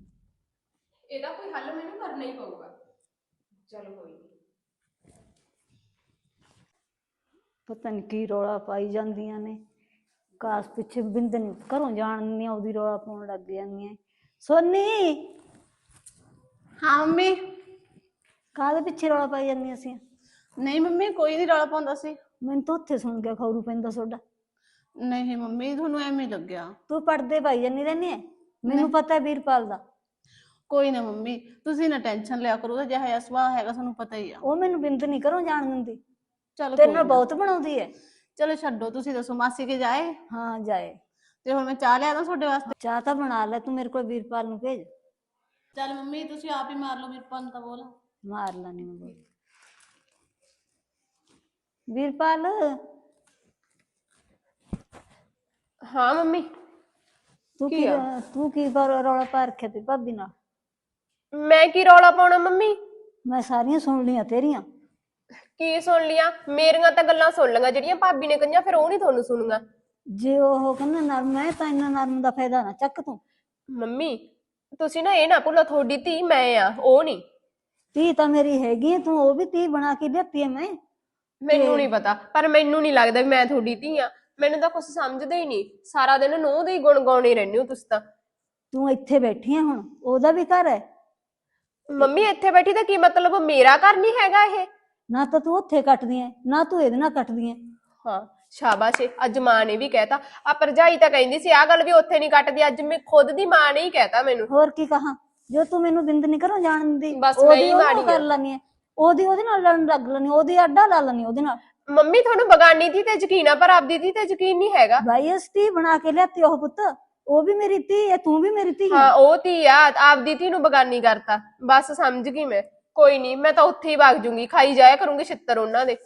[SPEAKER 1] ਇਹਦਾ ਕੋਈ ਹੱਲ ਮੈਨੂੰ ਕਰਨਾ ਹੀ ਪਊਗਾ। ਚਲ ਕੋਈ ਨਹੀਂ।
[SPEAKER 4] ਪਤਾ ਨਹੀਂ ਕੀ ਰੌਲਾ ਪਾਈ ਜਾਂਦੀਆਂ ਨੇ, ਕਾਸ ਪਿੱਛੇ ਬਿੰਦ ਨੀ ਘਰੋਂ ਜਾਣ ਨਹੀਂ ਉਹਦੀ ਰੌਲਾ ਪਾਉਣ ਲੱਗ ਜਾਂਦੀਆਂ। ਸੋਨੀ
[SPEAKER 2] ਹਾਂ ਮੰਮੀ।
[SPEAKER 4] ਕਾਹਦੇ ਪਿੱਛੇ ਰੌਲਾ ਪਾਈ ਜਾਂਦੀਆਂ ਸੀ?
[SPEAKER 2] ਨਹੀਂ ਮੰਮੀ ਕੋਈ ਨਹੀਂ ਰੌਲਾ ਪਾਉਂਦਾ ਸੀ।
[SPEAKER 4] ਮੈਨੂੰ ਤਾਂ ਉੱਥੇ ਸੁਣ ਕੇ ਖੌਰੂ ਪੈਂਦਾ ਤੁਹਾਡਾ।
[SPEAKER 2] ਨਹੀਂ ਮੰਮੀ ਤੁਹਾਨੂੰ ਐਵੇਂ ਲੱਗਿਆ।
[SPEAKER 4] ਤੂੰ ਪੜਦੇ ਪਾਈ ਜਾਂਦੀ ਰਹਿੰਦੀ ਹੈ, ਮੈਨੂੰ ਪਤਾ ਹੈ ਵੀਰਪਾਲ ਦਾ।
[SPEAKER 2] ਕੋਈ ਨਾ ਮੰਮੀ ਤੁਸੀਂ ਨਾ ਟੈਨਸ਼ਨ ਲਿਆ ਕਰੋ, ਉਹਦਾ ਜਿਹਾ ਜਿਹਾ ਸੁਭਾਅ ਹੈਗਾ ਤੁਹਾਨੂੰ ਪਤਾ ਹੀ ਆ।
[SPEAKER 4] ਉਹ ਮੈਨੂੰ ਬਿੰਦ ਨਹੀਂ ਘਰੋਂ ਜਾਣ ਦਿੰਦੀ,
[SPEAKER 2] ਚਲੋ
[SPEAKER 4] ਤੇਰੇ ਨਾਲ ਬਹੁਤ ਬਣਾਉਂਦੀ ਹੈ।
[SPEAKER 2] ਚਲੋ ਛੱਡੋ, ਤੁਸੀਂ ਦੱਸੋ ਮਾਸੀ ਕੇ ਜਾਏ?
[SPEAKER 4] ਹਾਂ ਜਾਏ।
[SPEAKER 2] ਤੇ ਹੁਣ ਮੈਂ ਚਾਹ ਲਿਆ ਦਾਂ ਤੁਹਾਡੇ ਵਾਸਤੇ?
[SPEAKER 4] ਚਾਹ ਤਾਂ ਬਣਾ ਲੈ, ਤੂੰ ਮੇਰੇ ਕੋਲ ਵੀਰਪਾਲ ਨੂੰ ਭੇਜ।
[SPEAKER 2] ਚੱਲ ਮੰਮੀ ਤੁਸੀਂ ਆਪ ਹੀ ਮਾਰ ਲਓ ਵੀਰਪਾਲ ਨੂੰ ਤਾਂ ਬੋਲ।
[SPEAKER 4] ਮਾਰ ਲੈਣੀ ਮੈਂ ਬੋਲ। ਵੀਰਪਾਲ
[SPEAKER 1] ਹਾਂ ਮੰਮੀ।
[SPEAKER 4] ਤੂੰ ਕੀ ਤੂੰ ਕੀ ਰੌਲਾ ਪਾ ਰੱਖਿਆ ਤੇ ਭਾਬੀ ਨਾਲ?
[SPEAKER 1] ਮੈਂ ਕੀ ਰੌਲਾ ਪਾਉਣਾ ਮੰਮੀ?
[SPEAKER 4] ਮੈਂ ਸਾਰੀਆਂ ਸੁਣ ਲਈਆਂ ਤੇਰੀਆਂ।
[SPEAKER 1] ਕੀ ਸੁਣ ਲਿਆ? ਮੇਰੀਆਂ ਤਾਂ ਗੱਲਾਂ ਸੁਣ ਲਈਆਂ, ਜਿਹੜੀਆਂ ਭਾਬੀ ਨੇ ਕਹੀਆਂ ਫਿਰ ਉਹ ਨਹੀਂ ਤੁਹਾਨੂੰ ਸੁਣੂਗਾ।
[SPEAKER 4] ਜੇ ਉਹ ਕਹਿੰਦਾ ਨਰਮ ਹੈ ਤਾਂ ਇੰਨਾ ਨਰਮ ਦਾ ਫਾਇਦਾ ਨਾ ਚੱਕ ਤੂੰ।
[SPEAKER 1] ਮੰਮੀ ਤੁਸੀਂ ਨਾ ਇਹ ਨਾ ਭੁੱਲੋ, ਤੁਹਾਡੀ ਧੀ ਮੈਂ ਆ, ਉਹ ਨਹੀਂ।
[SPEAKER 4] ਧੀ ਤਾਂ ਮੇਰੀ ਹੈਗੀ, ਤੂੰ ਉਹ ਵੀ ਧੀ ਬਣਾ ਕੇ ਦਿੱਤੀ ਹੈ। ਮੈਂ
[SPEAKER 1] ਮੈਨੂੰ ਨਹੀਂ ਪਤਾ, ਪਰ ਮੈਨੂੰ ਨਹੀਂ ਲੱਗਦਾ ਵੀ ਮੈਂ ਤੁਹਾਡੀ ਧੀ ਆ, ਮੈਨੂੰ ਤਾਂ ਕੁਝ ਸਮਝਦੇ ਹੀ ਨਹੀਂ, ਸਾਰਾ ਦਿਨ ਨੂੰਹ ਦੇ ਹੀ ਗੁਣ ਗਾਉਣੇ ਰਹਿੰਦੇ ਹੋ ਤੁਸੀਂ ਤਾਂ।
[SPEAKER 4] ਤੂੰ ਇੱਥੇ ਬੈਠੀ ਹੈ, ਹੁਣ ਉਹਦਾ ਵੀ ਘਰ ਹੈ।
[SPEAKER 1] ਮੰਮੀ ਇੱਥੇ ਬੈਠੀ ਤਾਂ ਕੀ ਮਤਲਬ, ਮੇਰਾ ਘਰ ਨਹੀਂ ਹੈਗਾ ਇਹ?
[SPEAKER 4] ਨਾ ਤਾਂ ਤੂੰ ਉੱਥੇ ਕੱਟਦੀ ਹੈ, ਨਾ ਤੂੰ ਇਹਦੇ ਨਾਲ ਕੱਟਦੀ ਹੈ।
[SPEAKER 1] ਹਾਂ ਸ਼ਾਬਾਸ਼, ਅੱਜ ਮਾਂ ਨੇ ਵੀ ਕਹਿਤਾ। ਆ ਭਰਜਾਈ ਤਾਂ ਕਹਿੰਦੀ ਸੀ ਆਹ ਗੱਲ ਵੀ ਉੱਥੇ ਨਹੀਂ ਕੱਟਦੀ, ਅੱਜ ਮੈਂ ਖੁਦ ਦੀ ਮਾਂ ਨੇ ਹੀ ਕਹਿਤਾ ਮੈਨੂੰ।
[SPEAKER 4] ਹੋਰ ਕੀ ਕਹਾਂ, ਜੋ ਤੂੰ ਮੈਨੂੰ ਬਿੰਦ ਨਹੀਂ ਘਰੋਂ ਜਾਣ ਦਿੰਦੀ,
[SPEAKER 1] ਬਸ ਮੈਂ ਹੀ ਮਾੜੀ
[SPEAKER 4] ਕਰ ਲੈਣੀ ਹੈ, ਉਹਦੀ ਉਹਦੇ ਨਾਲ ਲੜਨ ਲੱਗ ਲੈਣੀ, ਉਹਦੀ ਆਡਾ ਲਾ ਲੈਣੀ ਉਹਦੇ ਨਾਲ।
[SPEAKER 1] ਮੰਮੀ ਤੁਹਾਨੂੰ ਬਗਾਨੀ ਧੀ ਤੇ ਯਕੀਨ ਆ, ਪਰ ਆਪਦੀ ਧੀ ਤੇ ਯਕੀਨ ਨਹੀਂ ਹੈਗਾ।
[SPEAKER 4] ਬਾਈ ਇਸ ਧੀ ਬਣਾ ਕੇ ਲਿਆਤੀ ਉਹ ਪੁੱਤ, ਉਹ ਵੀ ਮੇਰੀ ਧੀ ਹੈ, ਤੂੰ ਵੀ ਮੇਰੀ ਧੀ ਹੈ।
[SPEAKER 1] ਹਾਂ ਉਹ ਧੀ ਆ, ਆਪਦੀ ਧੀ ਨੂੰ ਬਗਾਨੀ ਕਰਤਾ, ਬਸ ਸਮਝ ਗਈ ਮੈਂ। ਕੋਈ ਨਹੀਂ, ਮੈਂ ਤਾਂ ਉੱਥੇ ਹੀ ਵਗ ਜੂੰਗੀ, ਖਾਈ ਜਾਇਆ ਕਰੂੰਗੀ ਛਿੱਤਰ ਉਹਨਾਂ ਦੇ।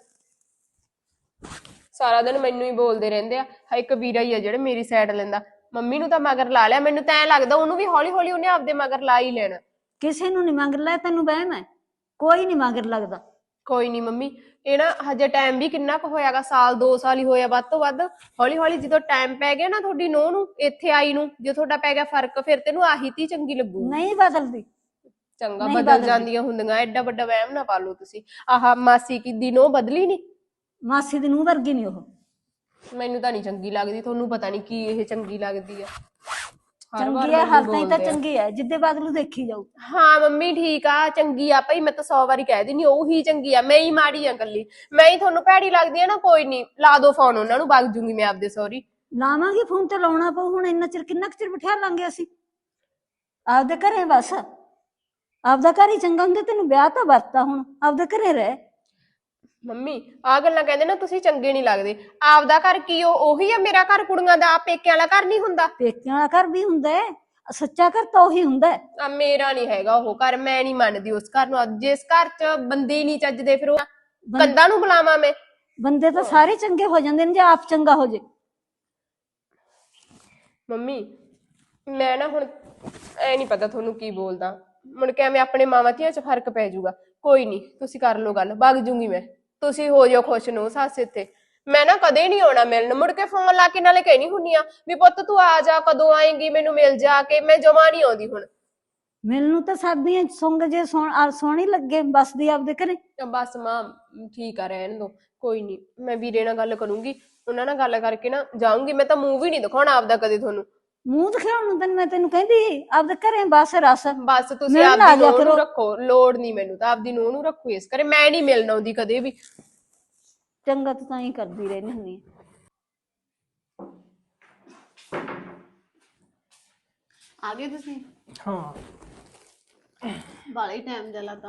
[SPEAKER 1] ਸਾਰਾ ਦਿਨ ਮੈਨੂੰ ਹੀ ਬੋਲਦੇ ਰਹਿੰਦੇ ਆ। ਹਾਂ ਇੱਕ ਵੀਰਾ ਹੀ ਆ ਜਿਹੜਾ ਮੇਰੀ ਸਾਈਡ ਲੈਂਦਾ, ਮੰਮੀ ਨੂੰ ਤਾਂ ਮਗਰ ਲਾ ਲਿਆ, ਮੈਨੂੰ ਤਾਂ ਐ ਲੱਗਦਾ ਉਹਨੂੰ ਵੀ ਹੌਲੀ ਹੌਲੀ ਉਹਨੇ ਆਪਦੇ ਮਗਰ ਲਾ ਹੀ ਲੈਣਾ।
[SPEAKER 4] ਕਿਸੇ ਨੂੰ ਨੀ ਮਗਰ ਲੈ, ਤੈਨੂੰ ਵਹਿਮ ਹੈ, ਕੋਈ ਨੀ ਮਗਰ ਲੱਗਦਾ।
[SPEAKER 1] ਕੋਈ ਨਹੀਂ ਮੰਮੀ, ਇਹ ਨਾ ਹਜੇ ਟਾਈਮ ਵੀ ਕਿੰਨਾ ਕੁ ਹੋਇਆਗਾ, ਸਾਲ ਦੋ ਸਾਲ ਹੀ ਹੋਇਆ ਵੱਧ ਤੋਂ ਵੱਧ। ਹੌਲੀ ਹੌਲੀ ਜਦੋਂ ਟਾਈਮ ਪੈ ਗਿਆ ਨਾ ਤੁਹਾਡੀ ਨੂੰਹ ਨੂੰ ਇੱਥੇ ਆਈ ਨੂੰ, ਜੇ ਤੁਹਾਡਾ ਪੈ ਗਿਆ ਫਰਕ, ਫਿਰ ਤੈਨੂੰ ਆਹੀ ਧੀ ਚੰਗੀ ਲੱਗੂ।
[SPEAKER 4] ਨਹੀਂ ਬਦਲਦੀ,
[SPEAKER 1] ਚੰਗਾ
[SPEAKER 4] ਨਹੀਂ
[SPEAKER 1] ਬਦਲ
[SPEAKER 4] ਬਦਲਦੀ।
[SPEAKER 1] ਜਾਂਦੀਆਂ ਹੁੰਦੀਆਂ, ਐਡਾ ਵੱਡਾ ਵਹਿਮ ਨਾ ਪਾ ਲਓ ਤੁਸੀਂ। ਆਹ ਮਾਸੀ ਕੀ ਦਿਨੋਂ ਬਦਲੀ ਨਹੀਂ।
[SPEAKER 4] ਮਾਸੀ ਦੀ ਨੂੰਹ ਵਰਗੀ ਨਹੀਂ ਉਹ।
[SPEAKER 1] ਮੈਨੂੰ ਤਾਂ ਨਹੀਂ ਚੰਗੀ ਲੱਗਦੀ, ਤੁਹਾਨੂੰ ਪਤਾ ਨਹੀਂ ਕੀ ਇਹ ਚੰਗੀ ਲੱਗਦੀ ਆ। ਹਰ ਵਾਰ
[SPEAKER 4] ਚੰਗੀ ਹੈ,
[SPEAKER 1] ਮੈਨੂੰ
[SPEAKER 4] ਹਰ ਤਾਈਂ ਤਾਂ
[SPEAKER 1] ਬੋਲਦੇ ਆ।
[SPEAKER 4] ਚੰਗੀ ਹੈ, ਜਿੱਦੇ ਬਦਲੂ ਦੇਖੀ ਜਾਊ।
[SPEAKER 1] ਹਾਂ ਮੰਮੀ ਠੀਕ ਆ, ਚੰਗੀ ਆ ਭਾਈ, ਮੈਂ ਤਾਂ ਸੌ ਵਾਰੀ ਕਹਿ ਦਿੰਦੀ ਉਹ ਹੀ ਚੰਗੀ ਆ, ਮੈਂ ਹੀ ਮਾੜੀ ਆ ਕੱਲੀ। ਮੈਂ ਹੀ ਤੁਹਾਨੂੰ ਭੈੜੀ ਲੱਗਦੀ ਆ ਨਾ, ਕੋਈ ਨਹੀਂ ਲਾ ਦੋ ਫੋਨ ਉਹਨਾਂ ਨੂੰ, ਵਗ ਜੂੰਗੀ ਮੈਂ ਆਪਦੇ ਸਹੁਰੀ।
[SPEAKER 4] ਲਾਵਾਂਗੇ ਫੋਨ ਤੇ ਲਾਉਣਾ ਪਊ ਹੁਣ, ਇੰਨਾ ਚਿਰ ਕਿੰਨਾ ਕੁ ਚਿਰ ਬਿਠਾ ਲਾਂਗੇ ਅਸੀਂ ਆਪਦੇ ਘਰੇ। ਬਸ ਆਪਦਾ ਘਰ ਹੀ ਚੰਗਾ ਹੁੰਦਾ, ਤੈਨੂੰ ਵਿਆਹ ਤਾਂ ਵਰਤਾ, ਹੁਣ ਆਪਦੇ ਘਰੇ ਰਹਿ।
[SPEAKER 1] ਮੰਮੀ ਆਹ ਗੱਲਾਂ ਕਹਿੰਦੇ ਨਾ ਤੁਸੀਂ ਚੰਗੇ ਨਹੀਂ ਲੱਗਦੇ। ਆਪਦਾ ਘਰ ਕੀ ਉਹ ਉਹੀ ਆ ਮੇਰਾ ਘਰ, ਕੁੜੀਆਂ ਦਾ ਪੇਕਿਆਂ ਵਾਲਾ ਘਰ ਨਹੀਂ ਹੁੰਦਾ।
[SPEAKER 4] ਪੇਕਿਆਂ ਵਾਲਾ ਘਰ ਵੀ ਹੁੰਦਾ ਹੈ, ਸੱਚਾ ਘਰ ਤਾਂ ਉਹੀ ਹੁੰਦਾ ਹੈ।
[SPEAKER 1] ਆ ਮੇਰਾ ਨਹੀਂ ਹੈਗਾ ਉਹ ਘਰ, ਮੈਂ ਨਹੀਂ ਮੰਨਦੀ ਉਸ ਘਰ ਨੂੰ। ਅੱਜ ਜਿਸ ਘਰ 'ਚ ਬੰਦੇ ਹੀ ਨਹੀਂ ਚੱਜਦੇ, ਫਿਰ ਉਹ ਕੰਧਾਂ ਨੂੰ ਬੁਲਾਵਾਂ ਮੈਂ?
[SPEAKER 4] ਬੰਦੇ ਤਾਂ ਸਾਰੇ ਚੰਗੇ ਹੋ ਜਾਂਦੇ ਨੇ ਜੇ ਆਪ ਚੰਗਾ ਹੋ ਜੇ।
[SPEAKER 1] ਮੰਮੀ ਮੈਂ ਨਾ ਹੁਣ ਐ ਨਹੀਂ ਪਤਾ ਤੁਹਾਨੂੰ ਕੀ ਬੋਲਦਾ, ਮੁੜ ਕੇ ਐਵੇਂ ਆਪਣੇ ਮਾਵਾਂ ਧੀਆਂ 'ਚ ਫਰਕ ਪੈ ਜਾਊਗਾ। ਕੋਈ ਨਹੀਂ ਤੁਸੀਂ ਕਰ ਲਓ ਗੱਲ, ਵਗ ਜੂੰਗੀ ਮੈਂ, ਤੁਸੀਂ ਹੋ ਜਾਓ ਖੁਸ਼ ਨੂੰ ਸੱਸ ਇੱਥੇ। ਮੈਂ ਨਾ ਕਦੇ ਨਹੀਂ ਆਉਣਾ ਮਿਲਣ, ਮੁੜ ਕੇ ਫੋਨ ਲਾ ਕੇ ਨਾਲੇ ਕਹਿਣੀ ਹੁੰਨੀ ਆ ਵੀ ਪੁੱਤ ਤੂੰ ਆ ਜਾ, ਕਦੋਂ ਆਏਂਗੀ, ਮੈਨੂੰ ਮਿਲ ਜਾ ਕੇ। ਮੈਂ ਜਮਾ ਨਹੀਂ ਆਉਂਦੀ ਹੁਣ।
[SPEAKER 4] ਮੈਨੂੰ ਤਾਂ ਸਰਦੀਆਂ ਸੁੰਗ ਜੇ ਸੋਹਣ ਸੋਹਣੀ ਲੱਗੇ, ਬਸਦੀ ਆਪਦੇ ਘਰੇ।
[SPEAKER 1] ਬਸ ਮਾਂ ਠੀਕ ਆ, ਰਹਿਣ ਦੋ, ਕੋਈ ਨਹੀਂ। ਮੈਂ ਵੀਰੇ ਨਾਲ ਗੱਲ ਕਰੂੰਗੀ, ਉਹਨਾਂ ਨਾਲ ਗੱਲ ਕਰਕੇ ਨਾ ਜਾਊਂਗੀ। ਮੈਂ ਤਾਂ ਮੂੰਹ ਵੀ ਨਹੀਂ ਦਿਖਾਉਣਾ ਆਪਦਾ ਕਦੇ ਤੁਹਾਨੂੰ।
[SPEAKER 4] ਮੂੰਹ ਦਿਖਾਉਣ ਨੂੰ ਤੈਨੂੰ ਮੈਂ ਤੈਨੂੰ ਕਹਿੰਦੀ ਆਪਦੇ ਘਰੇ ਬਸ ਰਸ।
[SPEAKER 1] ਬਸ ਤੁਸੀਂ
[SPEAKER 4] ਮਿਲਣ ਆ
[SPEAKER 1] ਆਪਦੀ
[SPEAKER 4] ਜਾਇਆ
[SPEAKER 1] ਨੂੰਹ ਨੂੰ
[SPEAKER 4] ਕਰੋ।
[SPEAKER 1] ਰੱਖੋ, ਲੋੜ ਨਹੀਂ ਮੈਨੂੰ ਤਾਂ ਆਪਦੀ ਨੂੰਹ ਨੂੰ ਰੱਖੋ ਇਸ ਕਰੇ। ਮੈਂ ਨਹੀਂ ਮਿਲਣ ਆਉਂਦੀ ਕਦੇ ਵੀ।
[SPEAKER 4] ਚੰਗਾ ਤੂੰ ਤਾਂ ਹੀ ਕਰਦੀ ਰਹਿੰਦੀ ਹੁੰਦੀ
[SPEAKER 2] ਆ ਗਏ ਤੁਸੀਂ?
[SPEAKER 3] ਹਾਂ
[SPEAKER 2] ਬਾਲਾ ਹੀ ਟਾਈਮ ਜਿਹਾ ਲਾਤਾ।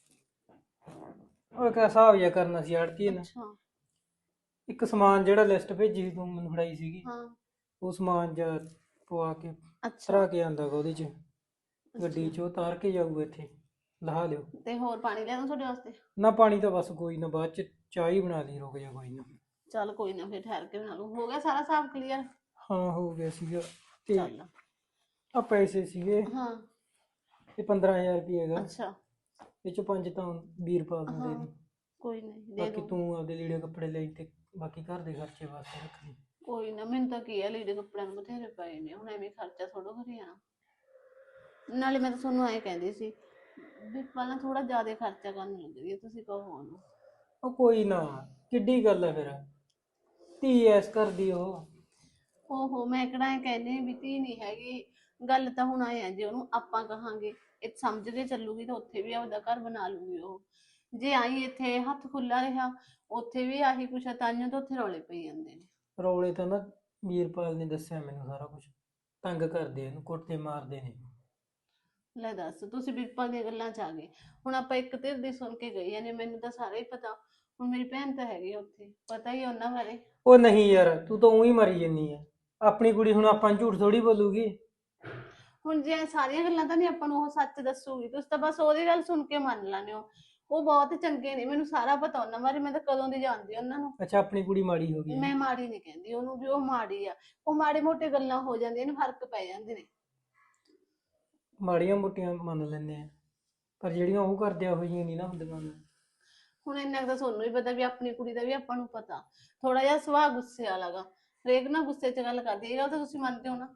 [SPEAKER 3] ਉਹ ਇੱਕ ਹਿਸਾਬ ਜਿਹਾ ਕਰਨਾ ਸੀ ਆੜਤੀ ਨੇ।
[SPEAKER 2] ਅੱਛਾ।
[SPEAKER 3] ਇੱਕ ਸਮਾਨ ਜਿਹੜਾ ਲਿਸਟ ਭੇਜੀ ਸੀ ਤੂੰ ਮੈਨੂੰ ਫੜਾਈ ਸੀਗੀ,
[SPEAKER 2] ਹਾਂ।
[SPEAKER 3] ਉਹ ਸਮਾਨ ਜਾਂ ਪਵਾ ਕੇ
[SPEAKER 2] ਅੱਛਾ
[SPEAKER 3] ਧਰਾ ਕੇ ਆਂਦਾ ਗਾ ਉਹਦੇ ਚ, ਗੱਡੀ ਚ ਉਹ ਤਾਰ ਕੇ ਜਾਊਗਾ, ਇੱਥੇ ਲਹਾ ਲਿਓ।
[SPEAKER 2] ਤੇ ਹੋਰ ਪਾਣੀ ਲਿਆਵਾਂ ਤੁਹਾਡੇ ਵਾਸਤੇ?
[SPEAKER 3] ਨਾ ਪਾਣੀ ਤਾਂ ਬਸ ਕੋਈ ਨਾ, ਬਾਅਦ ਚ ਚਾਹ ਹੀ ਬਣਾ ਲਈ, ਰੁਕ ਜਾ ਕੋਈ ਨਾ।
[SPEAKER 2] ਚੱਲ ਕੋਈ ਨਾ, ਫਿਰ ਠਹਿਰ ਕੇ ਬਣਾ ਲੂ। ਹੋ ਗਿਆ ਸਾਰਾ ਹਿਸਾਬ ਕਲੀਅਰ?
[SPEAKER 3] ਹਾਂ ਹੋ ਗਿਆ ਸੀਗਾ। ਤੇ
[SPEAKER 2] ਚੱਲ।
[SPEAKER 3] ਆ ਪੈਸੇ ਸੀਗੇ,
[SPEAKER 2] ਹਾਂ।
[SPEAKER 3] ਇਹ ਪੰਦਰਾਂ ਹਜ਼ਾਰ ਰੁਪਏ ਹੈਗਾ,
[SPEAKER 2] ਅੱਛਾ।
[SPEAKER 3] ਇਹ ਚ ਪੰਜ ਤਾਂ ਵੀਹ ਰੁਪਏ ਦਿੰਦੇ
[SPEAKER 2] ਹਾਂ
[SPEAKER 3] ਨੇ।
[SPEAKER 2] ਕੋਈ ਨਹੀਂ ਦੇ
[SPEAKER 3] ਬਾਕੀ
[SPEAKER 2] ਦੂੰ।
[SPEAKER 3] ਤੂੰ ਆਪਦੇ ਲੀੜੇ ਕੱਪੜੇ ਲਈ ਤੇ ਬਾਕੀ ਘਰ ਦੇ ਖਰਚੇ ਵਾਸਤੇ ਰੱਖ ਲਈ।
[SPEAKER 2] ਕੋਈ ਨਾ, ਮੈਨੂੰ ਤਾਂ ਕੀ ਆ, ਲੀੜੇ ਕੱਪੜਿਆਂ ਨੂੰ ਬਥੇਰੇ ਪਏ ਨੇ, ਹੁਣ ਐਵੇਂ ਖਰਚਾ ਥੋੜੋ ਕਰੀ ਜਾਣਾ। ਨਾਲੇ ਮੈਂ ਤਾਂ ਤੁਹਾਨੂੰ ਐਂ ਕਹਿੰਦੀ ਸੀ ਵੀ ਪਹਿਲਾਂ ਥੋੜਾ ਜ਼ਿਆਦਾ ਖਰਚਾ ਕਰਨ ਲੱਗ ਰਹੀ ਹੈ, ਤੁਸੀਂ ਕਹੋ ਉਹਨੂੰ।
[SPEAKER 3] ਉਹ ਕੋਈ ਨਾ, ਕਿੱਡੀ ਗੱਲ ਹੈ ਫਿਰ, ਧੀ ਐਸ ਕਰਦੀ ਉਹ।
[SPEAKER 2] ਓਹੋ, ਮੈਂ ਕਿਹੜਾ ਐਂ ਕਹਿੰਦੀ ਵੀ ਧੀ ਨਹੀਂ ਹੈਗੀ। ਗੱਲ ਤਾਂ ਹੁਣ ਆਏ ਆ, ਜੇ ਉਹਨੂੰ ਆਪਾਂ ਕਹਾਂਗੇ ਇਹ ਸਮਝ ਕੇ ਚੱਲੂਗੀ ਤਾਂ ਉੱਥੇ ਵੀ ਆਪਦਾ ਘਰ ਬਣਾ ਲੂਗੀ ਉਹ। ਜੇ ਆਈ ਇੱਥੇ ਹੱਥ ਖੁੱਲਾ ਰਿਹਾ, ਉੱਥੇ ਵੀ ਆਹੀ ਕੁਛ ਆ, ਤਾਂਹੀਓ ਤਾਂ ਉੱਥੇ ਰੌਲੇ ਪਈ ਜਾਂਦੇ ਨੇ।
[SPEAKER 3] ਰੌਲੇ ਤਾਂ ਨਾ ਵੀਰਪਾਲ ਨੇ ਦੱਸਿਆ ਮੈਨੂੰ ਸਾਰਾ ਕੁਝ, ਤੰਗ ਕਰਦੇ ਇਹਨੂੰ, ਕੁੱਟਦੇ ਮਾਰਦੇ ਨੇ।
[SPEAKER 2] ਲੈ ਦੱਸ, ਤੁਸੀਂ ਬਿਰਪਾਲ ਦੀਆਂ ਗੱਲਾਂ 'ਚ ਆ ਗਏ। ਹੁਣ ਆਪਾਂ ਇੱਕ ਧਿਰ ਦੀ ਸੁਣ ਕੇ ਗਏ ਨੇ, ਮੈਨੂੰ ਤਾਂ ਸਾਰਾ ਹੀ ਪਤਾ। ਹੁਣ ਮੇਰੀ ਭੈਣ ਤਾਂ ਹੈਗੀ ਆ ਉੱਥੇ, ਪਤਾ ਹੀ ਆ ਉਹਨਾਂ ਬਾਰੇ।
[SPEAKER 3] ਉਹ ਨਹੀਂ ਯਾਰ, ਤੂੰ ਤਾਂ ਉਹੀ ਮਰੀ ਜੰਨੀ ਆ। ਆਪਣੀ ਕੁੜੀ ਹੁਣ ਆਪਾਂ ਨੂੰ ਝੂਠ ਥੋੜੀ ਬੋਲੂਗੀ।
[SPEAKER 2] ਹੁਣ ਜੇ ਸਾਰੀਆਂ ਗੱਲਾਂ ਤਾਂ ਨਹੀਂ ਆਪਾਂ ਨੂੰ ਉਹ ਸੱਚ ਦੱਸੂਗੀ, ਤੁਸੀਂ ਤਾਂ ਬਸ ਉਹਦੀ ਗੱਲ ਸੁਣ ਕੇ ਮੰਨ ਲੈਂਦੇ ਹੋ। ਉਹ ਬਹੁਤ ਚੰਗੇ ਨੇ, ਮੈਨੂੰ ਸਾਰਾ ਪਤਾ ਉਹਨਾਂ ਬਾਰੇ, ਮੈਂ ਤਾਂ ਕਦੋਂ ਦੀ ਜਾਣਦੀ ਉਹਨਾਂ ਨੂੰ।
[SPEAKER 3] ਅੱਛਾ, ਆਪਣੀ ਕੁੜੀ ਮਾੜੀ ਹੋ ਗਈ?
[SPEAKER 2] ਮੈਂ ਮਾੜੀ ਨਹੀਂ ਕਹਿੰਦੀ ਉਹਨੂੰ ਵੀ ਉਹ ਮਾੜੀ ਆ। ਉਹ ਮਾੜੇ ਮੋਟੇ ਗੱਲਾਂ ਹੋ ਜਾਂਦੀਆਂ ਨੇ, ਫਰਕ ਪੈ ਜਾਂਦੇ ਨੇ।
[SPEAKER 3] ਮਾੜੀਆਂ ਮੋਟੀਆਂ ਮੰਨ ਲੈਂਦੇ ਆ, ਪਰ ਜਿਹੜੀਆਂ ਉਹ ਕਰਦੇ ਆ ਉਹ ਜਿਹੀਆਂ ਨਹੀਂ ਨਾ ਹੁੰਦੀਆਂ।
[SPEAKER 2] ਹੁਣ ਇੰਨਾ ਕੁ ਤਾਂ ਤੁਹਾਨੂੰ ਵੀ ਪਤਾ ਵੀ ਆਪਣੀ ਕੁੜੀ ਦਾ ਵੀ ਆਪਾਂ ਨੂੰ ਪਤਾ। ਥੋੜਾ ਜਿਹਾ ਸੁਭਾਅ ਗੁੱਸੇ ਵਾਲਾ ਗਾ, ਹਰੇਕ ਨਾਲ ਗੁੱਸੇ 'ਚ ਗੱਲ ਕਰਦੀ। ਇਹ ਗੱਲ ਤਾਂ ਤੁਸੀਂ ਮੰਨਦੇ ਹੋ ਨਾ?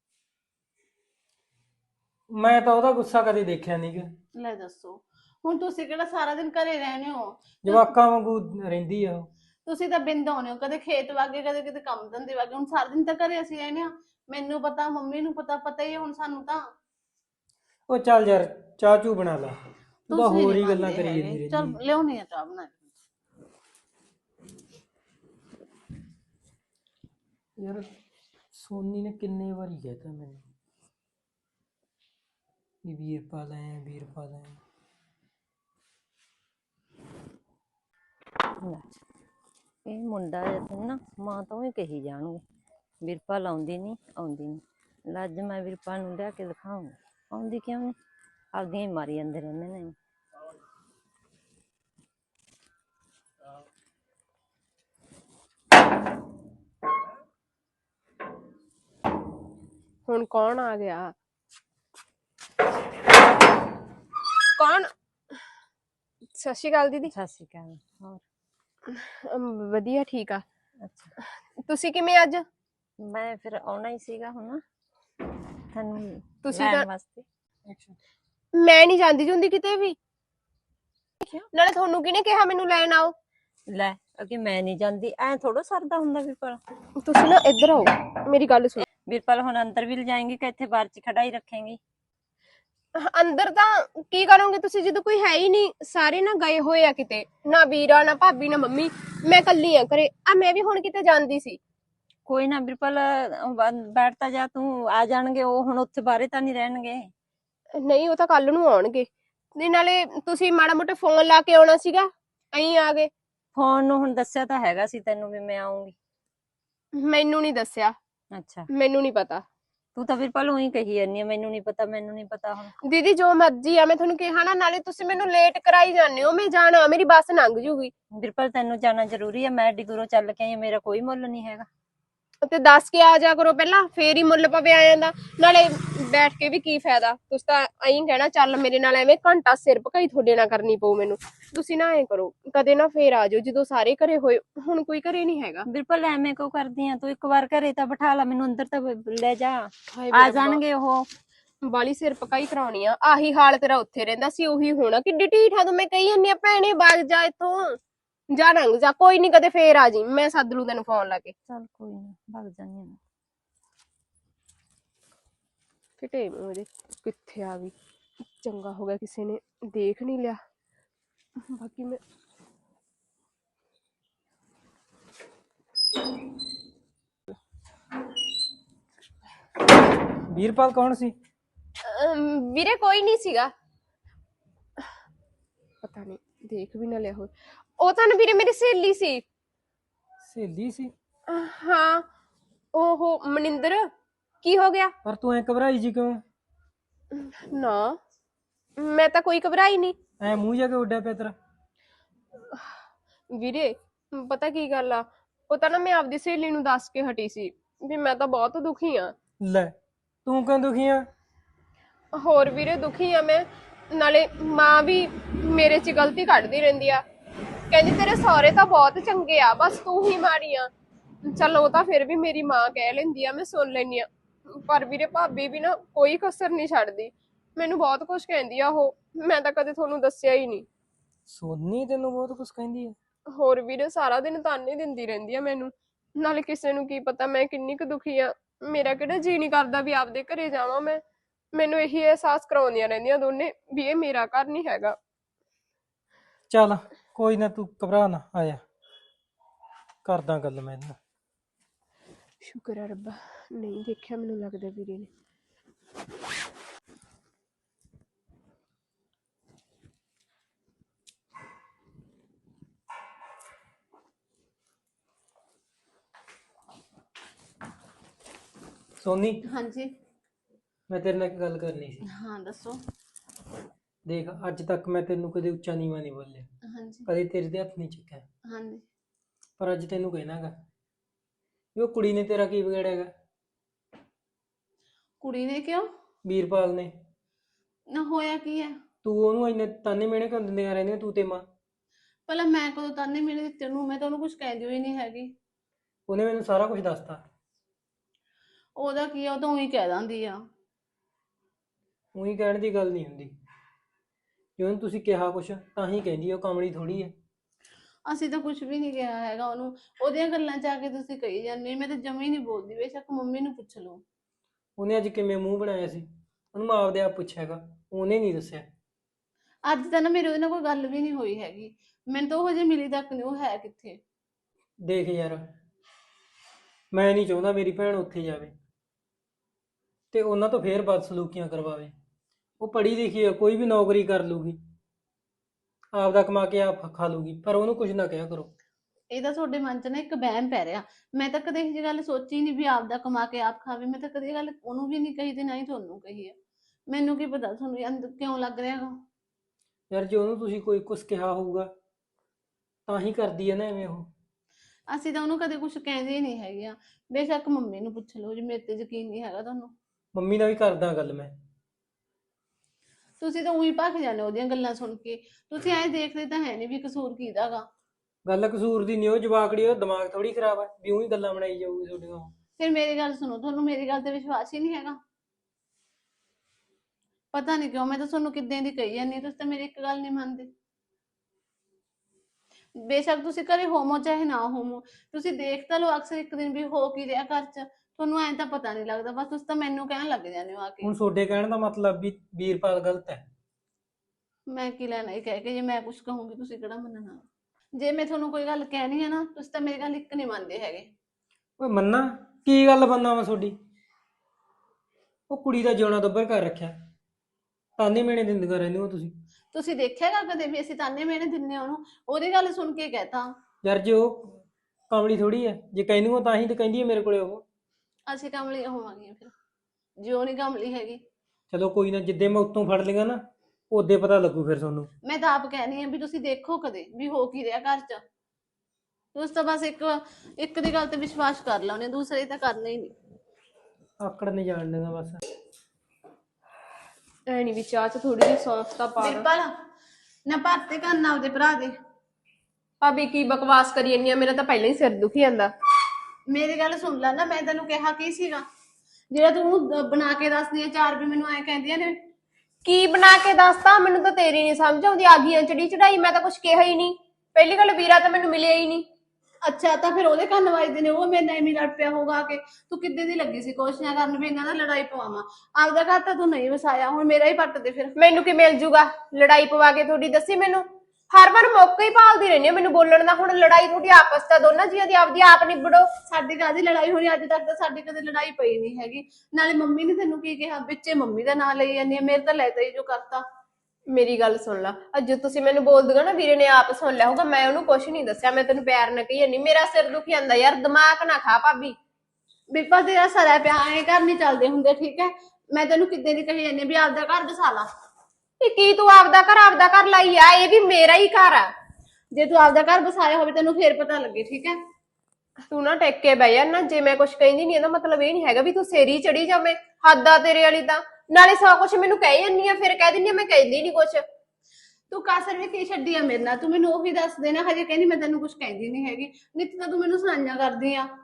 [SPEAKER 3] ਮੈਂ ਤਾਂ ਉਹਦਾ ਗੁੱਸਾ ਕਦੇ ਦੇਖਿਆ ਨਹੀਂ ਗਾ।
[SPEAKER 2] ਲੈ ਦੱਸੋ, ਹੁਣ ਤੁਸੀਂ ਕਿਹੜਾ ਸਾਰਾ ਦਿਨ ਘਰੇ ਰਹਿੰਦੇ ਹੋ?
[SPEAKER 3] ਜਵਾਕਾਂ ਵਾਂਗੂ ਰਹਿੰਦੀ ਆ ਉਹ।
[SPEAKER 2] ਤੁਸੀਂ ਤਾਂ ਬਿੰਦ ਆਉਂਦੇ ਹੋ, ਕਦੇ ਖੇਤ ਵਾਗੇ, ਕਦੇ ਕਿਤੇ ਕੰਮ ਧੰਦੇ ਵਾਗੇ। ਹੁਣ ਸਾਰਾ ਦਿਨ ਤਾਂ ਘਰੇ ਅਸੀਂ ਰਹਿੰਦੇ ਹਾਂ। ਮੈਨੂੰ ਪਤਾ, ਮੰਮੀ ਨੂੰ ਪਤਾ, ਪਤਾ ਹੀ ਹੈ ਹੁਣ ਸਾਨੂੰ ਤਾਂ।
[SPEAKER 3] ਉਹ ਚੱਲ ਯਾਰ, ਚਾਹ ਚੂ ਬਣਾ ਲਾ, ਤੂੰ ਤਾਂ
[SPEAKER 2] ਤੁਸੀਂ
[SPEAKER 3] ਹੋਰ
[SPEAKER 2] ਨੀ
[SPEAKER 3] ਹੀ ਗੱਲਾਂ
[SPEAKER 2] ਮੰਨਦੇ
[SPEAKER 3] ਕਰੀ
[SPEAKER 2] ਹੈਗੇ।
[SPEAKER 3] ਜਾਂਦੀ
[SPEAKER 2] ਚੱਲ
[SPEAKER 3] ਰਹਿੰਦੀ।
[SPEAKER 2] ਲਿਆਉਣੀ ਆ ਚਾਹ ਬਣਾ ਕੇ।
[SPEAKER 3] ਯਾਰ ਸੋਨੀ ਨੇ ਕਿੰਨੇ ਵਾਰੀ ਕਹਿਤਾ ਮੈਨੂੰ ਵੀ ਵੀਰਪਾਲ ਆਇਆ, ਵੀਰਪਾਲ ਆਇਆ।
[SPEAKER 5] ਇਹ ਮੁੰਡਾ ਜਦੋਂ ਨਾ ਮਾਂ ਤੋਂ ਵੀ ਕਹੀ ਜਾਣਗੇ ਵੀਰਪਾਲ ਆਉਂਦੀ ਨਹੀਂ, ਆਉਂਦੀ ਨਹੀਂ। ਲੱਜ ਮੈਂ ਵੀਰਪਾਲ ਨੂੰ ਲਿਆ ਕੇ ਦਿਖਾਉਂਗੀ, ਆਉਂਦੀ ਕਿਉਂ ਨਹੀਂ? ਆਪਦੀਆਂ ਹੀ ਮਾਰੀ ਜਾਂਦੇ ਰਹਿੰਦੇ ਨੇ।
[SPEAKER 1] ਹੁਣ ਕੌਣ ਆ ਗਿਆ? ਕੌਣ? ਸਤਿ ਸ਼੍ਰੀ ਅਕਾਲ ਦੀਦੀ।
[SPEAKER 5] ਸਤਿ ਸ਼੍ਰੀ ਅਕਾਲ। ਹੋਰ?
[SPEAKER 1] ਅਮ, ਵਧੀਆ, ਠੀਕ ਆ।
[SPEAKER 5] ਅੱਛਾ,
[SPEAKER 1] ਤੁਸੀਂ ਕਿਵੇਂ ਅੱਜ?
[SPEAKER 5] ਮੈਂ ਫਿਰ ਆਉਣਾ ਹੀ ਸੀਗਾ ਹੁਣ ਤੁਹਾਨੂੰ
[SPEAKER 1] ਤੁਸੀਂ
[SPEAKER 5] ਲੈਣ
[SPEAKER 1] ਤਾਂ
[SPEAKER 5] ਵਾਸਤੇ।
[SPEAKER 1] ਮੈਂ ਨਹੀਂ ਜਾਂਦੀ ਜੁੰਦੀ ਕਿਤੇ ਵੀ। ਨਾਲੇ ਤੁਹਾਨੂੰ ਕਿਹਨੇ ਕਿਹਾ ਮੈਨੂੰ ਲੈਣ ਆਓ?
[SPEAKER 5] ਲੈ ਅੱਗੇ ਮੈਂ ਨਹੀਂ ਜਾਂਦੀ, ਐ ਥੋੜਾ ਸਰਦਾ ਹੁੰਦਾ ਵੀਰਪਾਲ।
[SPEAKER 1] ਤੁਸੀਂ ਨਾ ਇੱਧਰ ਆਓ, ਮੇਰੀ ਗੱਲ ਸੁਣੋ।
[SPEAKER 5] ਵੀਰਪਾਲ ਹੁਣ ਅੰਦਰ ਵੀ ਲਿਜਾਏਂਗੀ ਕਿ ਇੱਥੇ ਬਾਹਰ ਚ ਖੜਾਈ ਰੱਖੇਂਗੀ?
[SPEAKER 1] ਅੰਦਰ ਤਾਂ ਕੀ ਕਰੋਗੇ ਤੁਸੀਂ ਜਦੋਂ ਕੋਈ ਹੈ ਹੀ ਨਹੀਂ, ਸਾਰੇ ਨਾ ਗਏ ਹੋਏ ਆ ਕਿਤੇ, ਨਾ ਵੀਰਾ ਨਾ ਭਾਬੀ ਨਾ ਮੰਮੀ, ਮੈਂ ਇਕੱਲੀ ਆ ਘਰੇ। ਆ ਮੈਂ ਵੀ ਹੁਣ ਕਿਤੇ ਜਾਂਦੀ ਸੀ।
[SPEAKER 5] ਕੋਈ ਨਾ ਵੀਰਪਾਲ, ਬੈਠ ਤਾਂ ਜਾ ਤੂੰ, ਆ ਜਾਣਗੇ ਉਹ, ਹੁਣ ਉੱਥੇ ਬਾਹਰੇ ਤਾਂ ਨਹੀਂ ਰਹਿਣਗੇ।
[SPEAKER 1] ਨਹੀਂ ਉਹ ਤਾਂ ਕੱਲ ਨੂੰ ਆਉਣਗੇ। ਤੇ ਨਾਲੇ ਤੁਸੀਂ ਮਾੜਾ ਮੋਟਾ ਫੋਨ ਲਾ ਕੇ ਆਉਣਾ ਸੀਗਾ, ਅਹੀਂ ਆ ਗਏ।
[SPEAKER 5] ਫੋਨ ਨੂੰ ਹੁਣ ਦੱਸਿਆ ਤਾਂ ਹੈਗਾ ਸੀ ਤੈਨੂੰ ਵੀ ਮੈਂ ਆਉਂਗੀ।
[SPEAKER 1] ਮੈਨੂੰ ਨਹੀਂ ਦੱਸਿਆ,
[SPEAKER 5] ਅੱਛਾ
[SPEAKER 1] ਮੈਨੂੰ ਨਹੀਂ ਪਤਾ।
[SPEAKER 5] ਤੂੰ ਤਾਂ ਵੀਰਪਾਲ ਉਹੀ ਕਹੀ ਜਾਂਦੀ ਆ, ਮੈਨੂੰ ਨਹੀਂ ਪਤਾ ਮੈਨੂੰ ਨਹੀਂ ਪਤਾ। ਹੁਣ
[SPEAKER 1] ਦੀਦੀ ਜੋ ਮਰਜ਼ੀ ਆ, ਮੈਂ ਤੁਹਾਨੂੰ ਕਿਹਾ ਨਾ, ਨਾਲੇ ਤੁਸੀਂ ਮੈਨੂੰ ਲੇਟ ਕਰਾਈ ਜਾਂਦੇ ਹੋ। ਮੈਂ ਜਾਣਾ, ਮੇਰੀ ਬੱਸ ਲੰਘ ਜੂਗੀ।
[SPEAKER 5] ਵੀਰਪਾਲ ਤੈਨੂੰ ਜਾਣਾ ਜ਼ਰੂਰੀ ਹੈ, ਮੈਂ ਏਡੀ ਦੂਰੋਂ ਚੱਲ ਕੇ ਆਈ ਹਾਂ, ਮੇਰਾ ਕੋਈ ਮੁੱਲ ਨਹੀਂ ਹੈਗਾ।
[SPEAKER 1] ਤੇ ਦੱਸ ਕੇ ਆ ਜਾ ਕਰੋ ਪਹਿਲਾਂ, ਫੇਰ ਹੀ ਮੁੱਲ ਪਵੇ ਆ ਜਾਂਦਾ। ਨਾਲੇ ਬੈਠ ਕੇ ਵੀ ਕੀ ਫਾਇਦਾ, ਤੁਸੀਂ ਤਾਂ ਐਂ ਕਹਿਣਾ ਚੱਲ ਮੇਰੇ ਨਾਲ ਐਵੇਂ ਘੰਟਾ ਸਿਰ ਭਕਾਈ ਤੁਹਾਡੇ ਨਾਲ ਕਰਨੀ ਪਊ ਮੈਨੂੰ। ਤੁਸੀਂ ਨਾ ਐਂ ਕਰੋ, ਕਦੇ ਨਾ ਫੇਰ ਆ ਜਾਓ ਜਦੋਂ ਸਾਰੇ ਘਰੇ ਹੋਏ। ਹੁਣ ਕੋਈ ਘਰੇ ਨਹੀਂ ਹੈਗਾ।
[SPEAKER 5] ਵੀਰਪਾਲ ਐਵੇਂ ਕਿਉਂ ਕਰਦੀ ਆ ਤੂੰ? ਇੱਕ ਵਾਰ ਘਰੇ ਤਾਂ ਬਿਠਾ ਲਾ ਮੈਨੂੰ, ਅੰਦਰ ਤਾਂ ਲੈ ਜਾ,
[SPEAKER 1] ਹਾਏ
[SPEAKER 5] ਆ
[SPEAKER 1] ਮੇਰਾ
[SPEAKER 5] ਜਾਣਗੇ ਉਹ।
[SPEAKER 1] ਬਾਲੀ ਸਿਰ ਪਕਾਈ ਕਰਾਉਣੀ ਆ। ਆਹੀ ਹਾਲ ਤੇਰਾ ਉੱਥੇ ਰਹਿੰਦਾ ਸੀ, ਉਹੀ ਹੋਣਾ। ਕਿੱਡੀ ਢੀਠ ਆ ਤੂੰ, ਮੈਂ ਕਹੀ ਜਾਂਦੀ ਆ ਭੈਣੇ ਵਗ ਜਾ ਇੱਥੋਂ, ਜਾ ਰੰਗ ਜਾ। ਕੋਈ ਨੀ, ਕਦੇ ਫੇਰ ਆ ਜੀ, ਮੈਂ ਸੱਦ ਲੂ ਤੈਨੂੰ ਫੋਨ ਲਾ ਕੇ।
[SPEAKER 5] ਚੱਲ ਕੋਈ ਨਾ, ਭੱਗ ਜਾਨੀ ਆ।
[SPEAKER 1] ਫਿਟੇ ਮੂੰਹ ਦੇ, ਕਿੱਥੇ ਆ ਗਈ? ਚੰਗਾ ਹੋ ਗਿਆ ਕਿਸੇ ਨੇ ਦੇਖ ਨਹੀਂ ਲਿਆ। ਬਾਕੀ ਮੈਂ
[SPEAKER 3] ਵੀਰਪਾਲ ਕੌਣ ਸੀ?
[SPEAKER 1] ਅਮ, ਵੀਰੇ ਕੋਈ ਨਹੀਂ ਸੀਗਾ। ਪਤਾ ਨਹੀਂ, ਦੇਖ ਵੀ ਨਾ ਲਿਆ ਹੋ। ਉਹ ਤਾਂ ਨਾ ਵੀਰੇ ਮੇਰੀ ਸਹੇਲੀ ਸੀ।
[SPEAKER 3] ਸਹੇਲੀ ਸੀ?
[SPEAKER 1] ਅਹ, ਹਾਂ ਓਹੋ ਮਨਿੰਦਰ। ਕੀ ਹੋ ਗਿਆ?
[SPEAKER 3] ਪਰ ਤੂੰ ਐ ਘਬਰਾਈ ਜੀ ਕਿਉਂ?
[SPEAKER 1] ਨਾ ਮੈਂ ਤਾਂ ਕੋਈ ਘਬਰਾਈ ਨਹੀਂ।
[SPEAKER 3] ਐ ਮੂੰਹ ਜਾ ਕੇ ਉੱਡਿਆ ਪਿਆ ਤੇਰਾ।
[SPEAKER 1] ਵੀਰੇ ਪਤਾ ਕੀ ਗੱਲ ਆ, ਉਹ ਤਾਂ ਨਾ ਮੈਂ ਆਪਦੀ ਸਹੇਲੀ ਨੂੰ ਦੱਸ ਕੇ ਹਟੀ ਸੀ ਵੀ ਮੈਂ ਤਾਂ ਬਹੁਤ ਦੁਖੀ ਆ।
[SPEAKER 3] ਲੈ ਤੂੰ ਕਿਉਂ ਦੁਖੀ ਆ?
[SPEAKER 1] ਹੋਰ ਵੀਰੇ ਦੁਖੀ ਆ ਮੈਂ। ਨਾਲੇ ਮਾਂ ਵੀ ਮੇਰੇ 'ਚ ਗਲਤੀ ਕੱਢਦੀ ਰਹਿੰਦੀ ਆ, ਕਹਿੰਦੀ ਤੇਰੇ ਸਹੁਰੇ ਤਾਂ ਬਹੁਤ ਚੰਗੇ ਆ, ਬਸ ਤੂੰ ਹੀ ਮਾੜੀ ਆ। ਚੱਲ ਉਹ ਤਾਂ ਫਿਰ ਵੀ ਮੇਰੀ ਮਾਂ ਕਹਿ ਲੈਂਦੀ ਆ, ਮੈਂ ਸੁਣ ਲੈਂਦੀ ਆ। ਪਰ ਵੀਰੇ ਭਾਬੀ ਵੀ ਨਾ ਕੋਈ ਕਸਰ ਨਹੀਂ ਛੱਡਦੀ, ਮੈਨੂੰ ਬਹੁਤ ਕੁਝ ਕਹਿੰਦੀ ਆ ਉਹ। ਮੈਂ ਤਾਂ ਕਦੇ ਤੁਹਾਨੂੰ ਦੱਸਿਆ ਹੀ ਨਹੀਂ।
[SPEAKER 3] ਸੋਨੀ ਤੈਨੂੰ ਬਹੁਤ ਕੁਝ ਕਹਿੰਦੀ ਹੈ?
[SPEAKER 1] ਹੋਰ ਵੀਰੇ ਸਾਰਾ ਦਿਨ ਤਾਨੇ ਦਿੰਦੀ ਰਹਿੰਦੀ ਆ ਮੈਨੂੰ। ਨਾਲੇ ਕਿਸੇ ਨੂੰ ਕੀ ਪਤਾ ਮੈਂ ਕਿੰਨੀ ਕੁ ਦੁਖੀ ਆ। ਮੇਰਾ ਕਿਹੜਾ ਜੀ ਨਹੀਂ ਕਰਦਾ ਵੀ ਆਪਦੇ ਘਰੇ ਜਾਵਾਂ ਮੈਂ। ਮੈਨੂੰ ਇਹੀ ਅਹਿਸਾਸ ਕਰਾਉਂਦੀਆਂ ਰਹਿੰਦੀਆਂ ਦੋਨੇ ਵੀ ਇਹ ਮੇਰਾ ਘਰ ਨਹੀਂ ਹੈਗਾ।
[SPEAKER 3] ਚੱਲ ਕੋਈ ਨਾ, ਤੂੰ ਘਬਰਾ ਨਾ, ਆਇਆ ਕਰਦਾ ਗੱਲ ਮੈਂ ਇਹਦੇ ਨਾਲ।
[SPEAKER 1] ਸ਼ੁਕਰ ਆ ਰੱਬਾ, ਨਹੀਂ ਦੇਖਿਆ ਮੈਨੂੰ ਲੱਗਦਾ ਵੀਰੇ ਨੇ।
[SPEAKER 3] ਸੋਨੀ
[SPEAKER 2] ਹਾਂਜੀ
[SPEAKER 3] ਮੈਂ ਤੇਰੇ ਨਾਲ ਇੱਕ ਗੱਲ ਕਰਨੀ ਸੀ।
[SPEAKER 2] ਹਾਂ ਦੱਸੋ।
[SPEAKER 3] ਦੇਖ ਅੱਜ ਤੱਕ ਮੈਂ ਤੈਨੂੰ ਕਦੇ ਉੱਚਾ ਨੀਵਾਂ ਨਹੀਂ ਬੋਲਿਆ,
[SPEAKER 2] ਹਾਂਜੀ
[SPEAKER 3] ਕਦੇ ਤੇਰੇ ਦੇ ਹੱਥ ਨਹੀਂ ਚੱਕਿਆ,
[SPEAKER 2] ਹਾਂਜੀ
[SPEAKER 3] ਪਰ ਅੱਜ ਤੈਨੂੰ ਕਹਿਣਾਗਾ ਵੀ ਉਹ ਕੁੜੀ ਨੇ ਤੇਰਾ ਕੀ ਵਿਗੜਿਆਗਾ?
[SPEAKER 2] ਕੁੜੀ ਨੇ ਕਿਉਂ?
[SPEAKER 3] ਵੀਰਪਾਲ ਨੇ।
[SPEAKER 2] ਨਾ ਹੋਇਆ ਕੀ ਹੈ?
[SPEAKER 3] ਤੂੰ ਉਹਨੂੰ ਇੰਨੇ ਤਾਨੇ ਮਿਹਣੇ ਕਿਉਂ ਦਿੰਦੀਆਂ ਰਹਿੰਦੀਆਂ ਤੂੰ ਤੇ ਮਾਂ?
[SPEAKER 2] ਪਹਿਲਾਂ ਮੈਂ ਕਦੋਂ ਤਾਨੇ ਮੇਰੇ ਦਿੱਤੇ ਨੂੰ? ਮੈਂ ਤਾਂ ਉਹਨੂੰ ਕੁਝ ਕਹਿੰਦੀ ਹੋਈ ਨਹੀਂ ਹੈਗੀ।
[SPEAKER 3] ਉਹਨੇ ਮੈਨੂੰ ਸਾਰਾ ਕੁਝ ਦੱਸਤਾ।
[SPEAKER 2] ਉਹਦਾ ਕੀ ਆ, ਉਹ ਤਾਂ ਉਹੀ ਕਹਿ ਦਿੰਦੀ ਆ।
[SPEAKER 3] ਉਹੀ ਕਹਿਣ ਦੀ ਗੱਲ ਨਹੀਂ ਹੁੰਦੀ, ਜੇ ਉਹਨੂੰ ਤੁਸੀਂ ਕਿਹਾ ਕੁਛ ਤਾਂ ਹੀ ਕਹਿੰਦੀ ਆ, ਉਹ ਕਮਲੀ ਥੋੜੀ ਹੈ।
[SPEAKER 2] ਅਸੀਂ ਤਾਂ ਕੁਝ ਵੀ ਨਹੀਂ ਕਿਹਾ ਹੈਗਾ ਉਹਨੂੰ। ਉਹਦੀਆਂ ਗੱਲਾਂ 'ਚ ਆ ਕੇ ਤੁਸੀਂ ਕਹੀ ਜਾਂਦੇ। ਮੈਂ ਤਾਂ ਜਮੀ ਨਹੀਂ ਬੋਲਦੀ, ਬੇਸ਼ੱਕ ਮੰਮੀ ਨੂੰ ਪੁੱਛ ਲਓ।
[SPEAKER 3] ਉਹਨੇ ਅੱਜ ਕਿਵੇਂ ਮੂੰਹ ਬਣਾਇਆ ਸੀ? ਉਹਨੂੰ ਮੈਂ ਆਪਦੇ ਆਪ ਪੁੱਛਿਆਗਾ, ਉਹਨੇ ਨਹੀਂ ਦੱਸਿਆ।
[SPEAKER 2] ਅੱਜ ਤਾਂ ਨਾ ਮੇਰੇ ਉਹਦੇ ਨਾਲ ਕੋਈ ਗੱਲ ਵੀ ਨਹੀਂ ਹੋਈ ਹੈਗੀ। ਮੈਨੂੰ ਤਾਂ ਉਹ ਹਜੇ ਮਿਲੀ ਤੱਕ ਨਹੀਂ, ਉਹ ਹੈ ਕਿੱਥੇ।
[SPEAKER 3] ਦੇਖ ਯਾਰ, ਮੈਂ ਨਹੀਂ ਚਾਹੁੰਦਾ ਮੇਰੀ ਭੈਣ ਉੱਥੇ ਜਾਵੇ ਤੇ ਉਹਨਾਂ ਤੋਂ ਫੇਰ ਬਦਸਲੂਕੀਆਂ ਕਰਵਾਵੇ। ਉਹ ਪੜ੍ਹੀ ਲਿਖੀ ਹੈ, ਕੋਈ ਵੀ ਨੌਕਰੀ ਕਰ ਲੂਗੀ, ਆਪਦਾ ਕਮਾ ਕੇ ਆਪ ਖਾ ਲੂਗੀ, ਪਰ ਉਹਨੂੰ ਕੁਝ ਨਾ ਕਿਹਾ ਕਰੋ।
[SPEAKER 2] ਇਹ ਤਾਂ ਤੁਹਾਡੇ ਮਨ 'ਚ ਨਾ ਇੱਕ ਵਹਿਮ ਪੈ ਰਿਹਾ। ਮੈਂ ਤਾਂ ਕਦੇ ਇਹ ਜਿਹੀ ਗੱਲ ਸੋਚੀ ਨਹੀਂ ਵੀ ਆਪਦਾ ਕਮਾ ਕੇ ਆਪ ਖਾਵੇ। ਮੈਂ ਤਾਂ ਕਦੇ ਇਹ ਗੱਲ ਉਹਨੂੰ ਵੀ ਨਹੀਂ ਕਹੀ ਤੇ ਨਾ ਹੀ ਤੁਹਾਨੂੰ ਕਹੀ ਹੈ। ਮੈਨੂੰ ਕੀ ਪਤਾ ਤੁਹਾਨੂੰ ਇਹ ਅੰਦਰ ਕਿਉਂ ਲੱਗ ਰਿਹਾ ਗਾ।
[SPEAKER 3] ਯਾਰ ਜੇ ਉਹਨੂੰ ਤੁਸੀਂ ਕੋਈ ਕੁਝ ਕਿਹਾ ਹੋਊਗਾ ਤਾਂ ਹੀ ਕਰਦੀ ਹੈ ਨਾ ਐਵੇਂ ਉਹ।
[SPEAKER 2] ਅਸੀਂ ਤਾਂ ਉਹਨੂੰ ਕਦੇ ਕੁਝ ਕਹਿੰਦੇ ਹੀ ਨਹੀਂ ਹੈਗੇ ਆ। ਬੇਸ਼ੱਕ ਮੰਮੀ ਨੂੰ ਪੁੱਛ ਲਓ, ਜੇ ਮੇਰੇ ਤੇ ਯਕੀਨ ਨਹੀਂ ਹੈਗਾ ਤੁਹਾਨੂੰ।
[SPEAKER 3] ਮੰਮੀ ਨਾਲ ਵੀ ਕਰਦਾ ਗੱਲ ਮੈਂ।
[SPEAKER 2] ਤੁਸੀਂ ਤਾਂ ਉਹੀ ਭੱਖ ਜਾਂਦੇ ਹੋ ਉਹਦੀਆਂ ਗੱਲਾਂ ਸੁਣ ਕੇ। ਤੁਸੀਂ ਐਂ ਦੇਖਦੇ ਤਾਂ ਹੈ ਨਹੀਂ ਵੀ ਕਸੂਰ ਕਿਹਦਾ ਗਾ।
[SPEAKER 3] ਗੱਲ ਕਸੂਰ ਦੀ ਨਹੀਂ, ਉਹ ਜਵਾਕੜੀ, ਉਹ ਦਿਮਾਗ ਥੋੜੀ ਖਰਾਬ ਹੈ ਵੀ ਉਹੀ ਗੱਲਾਂ ਬਣਾਈ ਜਾਊਗੀ ਤੁਹਾਡੀਆਂ।
[SPEAKER 2] ਫਿਰ ਮੇਰੀ ਗੱਲ ਸੁਣੋ, ਤੁਹਾਨੂੰ ਮੇਰੀ ਗੱਲ ਤੇ ਵਿਸ਼ਵਾਸ ਹੀ ਨਹੀਂ ਹੈਗਾ? ਪਤਾ ਨਹੀਂ ਕਿਉਂ ਮੈਂ ਤਾਂ ਤੁਹਾਨੂੰ ਕਿੱਦਾਂ ਦੀ ਕਹੀ ਜਾਂਦੀ ਹਾਂ, ਤੁਸੀਂ ਤਾਂ ਮੇਰੀ ਇੱਕ ਗੱਲ ਨਹੀਂ ਮੰਨਦੇ। ਬੇਸ਼ੱਕ ਤੁਸੀਂ ਘਰੇ ਹੋਮੋ ਚਾਹੇ ਨਾ ਹੋਮੋ, ਤੁਸੀਂ ਦੇਖ ਤਾਂ ਲਓ ਅਕਸਰ ਇੱਕ ਦਿਨ ਵੀ ਹੋ ਕੀ ਰਿਹਾ ਘਰ 'ਚ, ਤੁਹਾਨੂੰ ਐਂ ਤਾਂ ਪਤਾ ਨਹੀਂ ਲੱਗਦਾ, ਬਸ ਤੁਸੀਂ ਤਾਂ ਮੈਨੂੰ ਕਹਿਣ ਲੱਗ ਜਾਂਦੇ ਹੋ ਆ ਕੇ।
[SPEAKER 3] ਹੁਣ ਤੁਹਾਡੇ ਕਹਿਣ ਦਾ ਮਤਲਬ ਵੀ ਵੀਰਪਾਲ ਗਲਤ ਹੈ।
[SPEAKER 2] ਮੈਂ ਕੀ ਲੈਣਾ ਇਹ ਕਹਿ ਕੇ, ਜੇ ਮੈਂ ਕੁਝ ਕਹੂੰਗੀ ਤੁਸੀਂ ਕਿਹੜਾ ਮੰਨਣਾ। ਜੇ ਮੈਂ ਤੁਹਾਨੂੰ ਕੋਈ ਗੱਲ ਕਹਿਣੀ ਹੈ ਨਾ, ਤੁਸੀਂ ਤਾਂ ਮੇਰੀ ਗੱਲ ਇੱਕ ਨਹੀਂ ਮੰਨਦੇ ਹੈਗੇ।
[SPEAKER 3] ਓਏ ਮੰਨਾ ਕੀ ਗੱਲ ਬੰਨਾ ਵਾ ਤੁਹਾਡੀ? ਉਹ ਕੁੜੀ ਦਾ ਜਿਉਣਾ ਦੱਬਰ ਕਰ ਰੱਖਿਆ, ਤਾਨੇ ਮੇਣੇ ਦਿੰਦੀਆਂ ਰਹਿੰਦੇ ਹੋ ਤੁਸੀਂ।
[SPEAKER 2] ਤੁਸੀਂ ਦੇਖਿਆਗਾ ਕਦੇ ਵੀ ਅਸੀਂ ਤਾਨੇ ਮੇਣੇ ਦਿੰਨੇ ਉਹਨੂੰ? ਉਹਦੀ ਗੱਲ ਸੁਣ ਕੇ ਕਹਿਤਾ।
[SPEAKER 3] ਯਾਰ ਜੇ ਉਹ ਕਮਲੀ ਥੋੜੀ ਹੈ, ਜੇ ਕਹਿੰਦੀ ਉਹ ਤਾਂ ਹੀ ਤਾਂ ਕਹਿੰਦੀ ਹੈ ਮੇਰੇ ਕੋਲੇ ਉਹ।
[SPEAKER 2] ਅਸੀਂ ਕਮਲੀ ਹੋਵਾਂਗੇ ਫਿਰ, ਜੇ ਉਹ ਨਹੀਂ ਕਮਲੀ ਹੈਗੀ।
[SPEAKER 3] ਚਲੋ ਕੋਈ ਨਾ, ਜਿੱਦੇ ਮੈਂ ਉੱਤੋਂ ਫੜ ਲਈਆਂ ਨਾ ਉਹਦੇ ਪਤਾ ਲੱਗੂ ਫਿਰ ਤੁਹਾਨੂੰ।
[SPEAKER 2] ਮੈਂ ਤਾਂ ਆਪ ਕਹਿਣੀ ਆ ਵੀ ਤੁਸੀਂ ਦੇਖੋ ਕਦੇ ਵੀ ਹੋ ਕੀ ਰਿਹਾ ਘਰ 'ਚ। ਤੁਸੀਂ ਤਾਂ ਬਸ ਇੱਕ ਇੱਕ ਦੀ ਗੱਲ ਤੇ ਵਿਸ਼ਵਾਸ ਕਰ ਲਾਉਨੇ, ਦੂਸਰੇ ਤਾਂ ਕਰਨਾ ਹੀ ਨਹੀਂ।
[SPEAKER 3] ਆਕੜ ਨਹੀਂ ਜਾਣ ਦੇਗਾ ਬਸ।
[SPEAKER 1] ਐ ਨਹੀਂ ਵੀ ਚਾਹ ਚ ਥੋੜੀ ਜਿਹੀ ਸੌਂਫ ਤਾਂ ਪਾ ਦਾਂ।
[SPEAKER 2] ਬਿਰਪਲ ਨਾ ਭਰਤੇ ਕੰਨ ਆਪਦੇ ਭਰਾ ਦੇ।
[SPEAKER 1] ਭਾਬੀ ਕੀ ਬਕਵਾਸ ਕਰੀ ਜਾਂਦੀ ਆ, ਮੇਰਾ ਤਾਂ ਪਹਿਲਾਂ ਹੀ ਸਿਰ ਦੁਖੀ ਜਾਂਦਾ।
[SPEAKER 2] ਮੇਰੀ ਗੱਲ ਸੁਣ ਲੈ ਨਾ, ਮੈਂ ਤੈਨੂੰ ਕਿਹਾ ਕੀ ਸੀਗਾ ਜਿਹੜਾ ਤੂੰ ਦ- ਬਣਾ ਕੇ ਦੱਸਦੀ ਆ ਚਾਰ ਵੀ ਮੈਨੂੰ ਐ ਕਹਿੰਦੀਆਂ ਨੇ।
[SPEAKER 1] ਕੀ ਬਣਾ ਕੇ ਦੱਸਤਾ? ਮੈਨੂੰ ਤਾਂ ਤੇਰੀ ਨਹੀਂ ਸਮਝ ਆਉਂਦੀ, ਆ ਗਈਆਂ ਚੜੀ ਚੜਾਈ, ਮੈਂ ਤਾਂ ਕੁਝ ਕਿਹਾ ਹੀ ਨਹੀਂ। ਪਹਿਲੀ ਗੱਲ ਵੀਰਾ ਤਾਂ ਮੈਨੂੰ ਮਿਲਿਆ ਹੀ ਨਹੀਂ।
[SPEAKER 2] ਅੱਛਾ ਤਾਂ ਫਿਰ ਉਹਦੇ ਕੰਨ ਵੱਜਦੇ ਨੇ, ਉਹ ਮੇਰੇ ਨਾਲ ਐਵੇਂ ਲੜ ਪਿਆ ਹੋਊਗਾ ਕਿ ਤੂੰ ਕਿੱਦੇ ਦੀ ਲੱਗੀ ਸੀ ਕੋਸ਼ਿਸ਼ਾਂ ਕਰਨ ਵੀ ਇਹਨਾਂ ਦਾ ਲੜਾਈ ਪਵਾਵਾਂ। ਆਪਦਾ ਘਰ ਤਾਂ ਤੂੰ ਨਹੀਂ ਵਸਾਇਆ, ਹੁਣ ਮੇਰਾ ਹੀ ਪੱਟ ਦੇ ਫਿਰ।
[SPEAKER 1] ਮੈਨੂੰ ਕੀ ਮਿਲ ਜੂਗਾ ਲੜਾਈ ਪਵਾ ਕੇ? ਤੁਹਾਡੀ ਦੱਸੀ ਮੈਨੂੰ, ਹਰ ਵਾਰ ਮੌਕਾ ਹੀ ਭਾਲਦੀ ਰਹਿੰਦੀ ਆ ਮੈਨੂੰ ਬੋਲਣ ਦਾ। ਹੁਣ ਲੜਾਈ ਤੁਹਾਡੀ ਆਪਸ ਦਾ ਦੋਨਾਂ ਜੀਆਂ ਦੀ, ਆਪਦੀ ਆਪ ਨਿਬੜੋ।
[SPEAKER 2] ਸਾਡੀ ਕਾਹਦੀ ਲੜਾਈ ਹੋਣੀ? ਅੱਜ ਤੱਕ ਤਾਂ ਸਾਡੀ ਕਦੇ ਲੜਾਈ ਪਈ ਨਹੀਂ ਹੈਗੀ। ਨਾਲੇ ਮੰਮੀ ਨੇ ਤੈਨੂੰ ਕੀ ਕਿਹਾ? ਵਿੱਚੇ ਮੰਮੀ ਦਾ ਨਾਂ ਲਈ ਜਾਂਦੀ ਆ, ਮੇਰੇ ਤਾਂ ਲੈਤਾ ਹੀ ਜੋ ਕਰਤਾ।
[SPEAKER 1] ਮੇਰੀ ਗੱਲ ਸੁਣ ਲਾ, ਅੱਜ ਤੁਸੀਂ ਮੈਨੂੰ ਬੋਲਦੂਗਾ ਨਾ ਵੀਰੇ ਨੇ ਆਪ ਸੁਣ ਲਿਆ ਹੋਊਗਾ, ਮੈਂ ਉਹਨੂੰ ਕੁਛ ਨਹੀਂ ਦੱਸਿਆ, ਮੈਂ ਤੈਨੂੰ ਪਿਆਰ ਨਾਲ ਕਹੀ ਜਾਂਦੀ। ਮੇਰਾ ਸਿਰ ਦੁਖੀ ਜਾਂਦਾ ਯਾਰ, ਦਿਮਾਗ ਨਾ ਖਾ ਭਾਬੀ।
[SPEAKER 2] ਬਿਰਪਾ ਤੇਰਾ ਸਰਾ ਪਿਆ, ਐ ਘਰ ਨਹੀਂ ਚੱਲਦੇ ਹੁੰਦੇ ਠੀਕ ਹੈ। ਮੈਂ ਤੈਨੂੰ ਕਿੱਦਾਂ ਦੀ ਕਹੀ ਜਾਂਦੀ ਵੀ ਆਪਦਾ ਘਰ ਬਸਾ ਲਾ।
[SPEAKER 1] ਇਹ ਕੀ ਤੂੰ ਆਪਦਾ ਘਰ ਆਪਦਾ ਘਰ ਲਾਈ ਆ? ਇਹ ਵੀ ਮੇਰਾ ਹੀ ਘਰ ਆ।
[SPEAKER 2] ਜੇ ਤੂੰ ਆਪਦਾ ਘਰ ਬਸਾਇਆ ਹੋਵੇ ਤੈਨੂੰ ਫੇਰ ਪਤਾ ਲੱਗੇ ਠੀਕ ਹੈ।
[SPEAKER 1] ਤੂੰ ਨਾ ਟੇਕ ਕੇ ਬਹਿ ਜਾ ਨਾ, ਜੇ ਮੈਂ ਕੁਛ ਕਹਿੰਦੀ ਨਹੀਂ ਇਹਦਾ ਮਤਲਬ ਇਹ ਨਹੀਂ ਹੈਗਾ ਵੀ ਤੂੰ ਸੇਰੀ ਚੜੀ ਜਾਵੇਂ। ਹੱਦ ਆ ਤੇਰੇ ਵਾਲੀ ਤਾਂ, ਨਾਲੇ ਸਭ ਕੁਛ ਮੈਨੂੰ ਕਹਿ ਜਾਂਦੀ ਆ, ਫਿਰ ਕਹਿ ਦਿੰਦੀ ਆ ਮੈਂ ਕਹਿੰਦੀ ਨਹੀਂ ਕੁਛ।
[SPEAKER 2] ਤੂੰ ਕਾਸਰ ਵੀ ਕੀ ਛੱਡੀ ਆ ਮੇਰੇ ਨਾਲ? ਤੂੰ ਮੈਨੂੰ ਉਹੀ ਦੱਸ ਦੇ ਨਾ, ਹਜੇ ਕਹਿੰਦੀ ਮੈਂ ਤੈਨੂੰ ਕੁਛ ਕਹਿੰਦੀ ਨਹੀਂ ਹੈਗੀ। ਨਿੱਤ ਤਾਂ ਤੂੰ ਮੈਨੂੰ ਸੁਣਾਈਆਂ ਕਰਦੀ ਆ।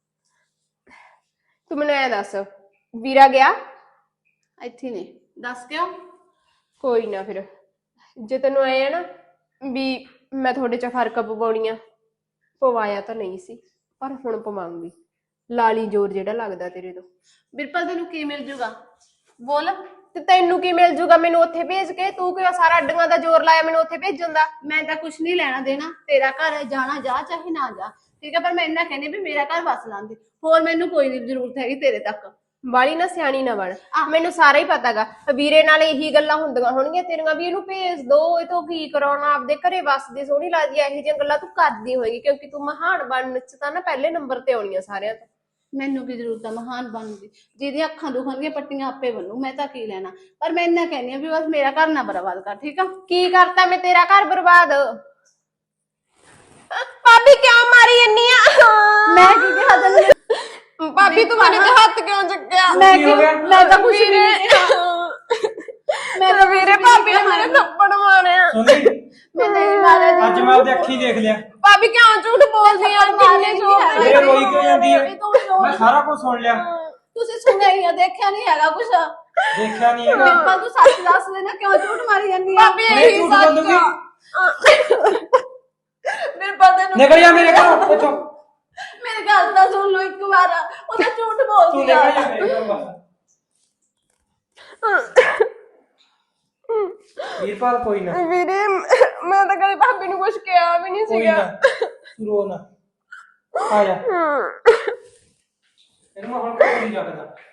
[SPEAKER 1] ਤੂੰ ਮੈਨੂੰ ਐ ਦੱਸ, ਵੀਰਾ ਗਿਆ?
[SPEAKER 2] ਇੱਥੇ ਨੇ, ਦੱਸ ਕਿਉਂ?
[SPEAKER 1] ਕੋਈ ਨਾ, ਫਿਰ ਜੇ ਤੈਨੂੰ ਐ ਨਾ ਵੀ ਮੈਂ ਤੁਹਾਡੇ ਚ ਫਰਕ ਪਵਾਉਣੀ ਆ, ਪਵਾਇਆ ਤਾਂ ਨਹੀਂ ਸੀ ਪਰ ਹੁਣ ਪਵਾਉਂਗੀ। ਲਾਲੀ ਜ਼ੋਰ ਜਿਹੜਾ ਲੱਗਦਾ ਤੇਰੇ ਤੋਂ।
[SPEAKER 2] ਬਿਰਪਲ ਤੈਨੂੰ ਕੀ ਮਿਲ ਜੂਗਾ? ਬੋਲ।
[SPEAKER 1] ਤੇ ਤੈਨੂੰ ਕੀ ਮਿਲ ਜੂਗਾ ਮੈਨੂੰ ਉੱਥੇ ਭੇਜ ਕੇ? ਤੂੰ ਕਿਉਂ ਸਾਰਾ ਅੱਡੀਆਂ ਦਾ ਜ਼ੋਰ ਲਾਇਆ ਮੈਨੂੰ ਉੱਥੇ ਭੇਜਣ ਦਾ?
[SPEAKER 2] ਮੈਂ ਤਾਂ ਕੁਛ ਨਹੀਂ ਲੈਣਾ ਦੇਣਾ, ਤੇਰਾ ਘਰ ਹੈ, ਜਾਣਾ ਜਾ ਚਾਹੇ ਨਾ ਜਾ ਠੀਕ ਹੈ, ਪਰ ਮੈਂ ਇੰਨਾ ਕਹਿੰਦੀ ਵੀ ਮੇਰਾ ਘਰ ਵਸ ਲਾਂਦੀ, ਹੋਰ ਮੈਨੂੰ ਕੋਈ ਨਹੀਂ ਜ਼ਰੂਰਤ ਹੈਗੀ ਤੇਰੇ ਤੱਕ।
[SPEAKER 1] ਬਾਲੀ ਨਾ ਸਿਆਣੀ ਨਾ ਬਣ, ਮੈਨੂੰ ਸਾਰਾ ਹੀ ਪਤਾਗਾ। ਵੀਰੇ ਨਾਲ ਇਹੀ ਗੱਲਾਂ ਹੁੰਦੀਆਂ ਹੋਣਗੀਆਂ ਤੇਰੀਆਂ ਵੀ ਇਹਨੂੰ ਭੇਜ ਦੋ, ਇਹ ਤੋਂ ਕੀ ਕਰਾਉਣਾ, ਆਪਦੇ ਘਰੇ ਵਸਦੀ ਸੋਹਣੀ ਲੱਗਦੀ ਆ। ਇਹੋ ਜਿਹੀਆਂ ਗੱਲਾਂ ਤੂੰ ਕਰਦੀ ਹੋਏਗੀ ਕਿਉਂਕਿ ਤੂੰ ਮਹਾਨ ਬਣਨ ਚ ਤਾਂ ਨਾ ਪਹਿਲੇ ਨੰਬਰ ਤੇ ਆਉਣੀ ਆ ਸਾਰਿਆਂ ਤੋਂ।
[SPEAKER 2] ਮੈਨੂੰ ਕੀ ਜ਼ਰੂਰਤ ਆ ਮਹਾਨ ਬਣਨ ਦੀ? ਜਿਹਦੀਆਂ ਅੱਖਾਂ ਦੁਖਣਗੀਆਂ ਪੱਟੀਆਂ ਆਪੇ ਬਣੂ, ਮੈਂ ਤਾਂ ਕੀ ਲੈਣਾ। ਪਰ ਮੈਂ ਇੰਨਾ ਕਹਿੰਦੀ ਆ ਵੀ ਬਸ ਮੇਰਾ ਘਰ ਨਾ ਬਰਬਾਦ ਕਰ ਠੀਕ ਆ।
[SPEAKER 1] ਕੀ ਕਰਤਾ ਮੈਂ ਤੇਰਾ ਘਰ ਬਰਬਾਦ? ਭਾਬੀ ਕਿਉਂ ਮਾਰੀ ਜੰਨੀ ਆ?
[SPEAKER 2] ਮੈਂ ਕੀ ਕਿਹਾ ਤੈਨੂੰ?
[SPEAKER 1] ਭਾਬੀ ਤੂੰ ਮੇਰੇ ਤੇ ਹੱਥ ਕਿਉਂ ਚੱਕਿਆ?
[SPEAKER 2] ਮੈਂ
[SPEAKER 3] ਕੀ ਹੋ ਗਿਆ?
[SPEAKER 2] ਮੈਂ ਤਾਂ ਕੁਛ ਨਹੀਂ
[SPEAKER 1] ਮੈਂ ਤਾਂ ਵੀਰੇ ਭਾਬੀ ਨੇ ਮੇਰੇ ਥੱਪੜ ਮਾਰਿਆ।
[SPEAKER 3] ਸੁਣੀ,
[SPEAKER 2] ਮੈਂ ਨਹੀਂ ਮਾਰਿਆ
[SPEAKER 3] ਅੱਜ ਮੈਂ ਆਪਣੀ ਅੱਖੀ ਦੇਖ ਲਿਆ।
[SPEAKER 1] ਭਾਬੀ ਕਿਉਂ ਝੂਠ ਬੋਲਦੀ ਆ? ਕਿੰਨੇ ਝੂਠ
[SPEAKER 3] ਮੇਰੇ ਰੋਈ ਕਿਉਂ ਜਾਂਦੀ ਹੈ?
[SPEAKER 2] ਇਹ ਤਾਂ ਮੈਨੂੰ-
[SPEAKER 3] ਮੈਂ ਸਾਰਾ ਕੁਝ ਸੁਣ ਲਿਆ।
[SPEAKER 2] ਤੁਸੀਂ ਸੁਣਿਆ ਹੀ ਆ, ਦੇਖਿਆ ਨਹੀਂ ਹੈਗਾ ਕੁਛ।
[SPEAKER 3] ਦੇਖਿਆ ਨਹੀਂ ਹੈਗਾ।
[SPEAKER 2] ਬਿਰਪਲ ਤੂੰ ਸੱਚ ਦੱਸ ਦੇ ਨਾ, ਕਿਉਂ ਝੂਠ ਮਾਰੀ ਜਾਂਦੀ ਆ?
[SPEAKER 1] ਭਾਬੀ
[SPEAKER 3] ਨਹੀਂ
[SPEAKER 1] ਇਹੀ
[SPEAKER 3] ਝੂਠ
[SPEAKER 1] ਸੱਚ
[SPEAKER 3] ਬੋਲੂਗੀ।
[SPEAKER 1] ਆ। ਬਿਰਪਲ ਤੈਨੂੰ
[SPEAKER 3] ਨਿਕਲ ਜਾ ਮੇਰੇ ਘਰੋਂ ਇੱਥੋਂ।
[SPEAKER 2] ਮੇਰੀ ਗੱਲ ਤਾਂ ਸੁਣ ਲਓ ਇੱਕ ਵਾਰ, ਉਹ ਤਾਂ ਝੂਠ
[SPEAKER 3] ਤੂੰ
[SPEAKER 2] ਬੋਲਦੀ
[SPEAKER 3] ਨਿਕਲ ਜਾ
[SPEAKER 2] ਆ।
[SPEAKER 3] ਮੇਰੇ ਘਰੋਂ ਬਸ। ਵੀਰਪਾਲ ਕੋਈ ਨਾ,
[SPEAKER 1] ਵੀਰੇ ਮੈਂ ਤਾਂ ਕਦੇ ਭਾਬੀ ਨੂੰ ਕੁਝ ਕਿਹਾ ਵੀ ਨਹੀਂ
[SPEAKER 3] ਕੋਈ
[SPEAKER 1] ਸੀਗਾ।
[SPEAKER 3] ਨਾ, ਤੂੰ ਰੋ ਨਾ। ਆ ਜਾ, ਇਹਨੂੰ ਮੈਂ ਹੁਣ ਕੋਈ ਨਹੀਂ ਰੱਖਦਾ।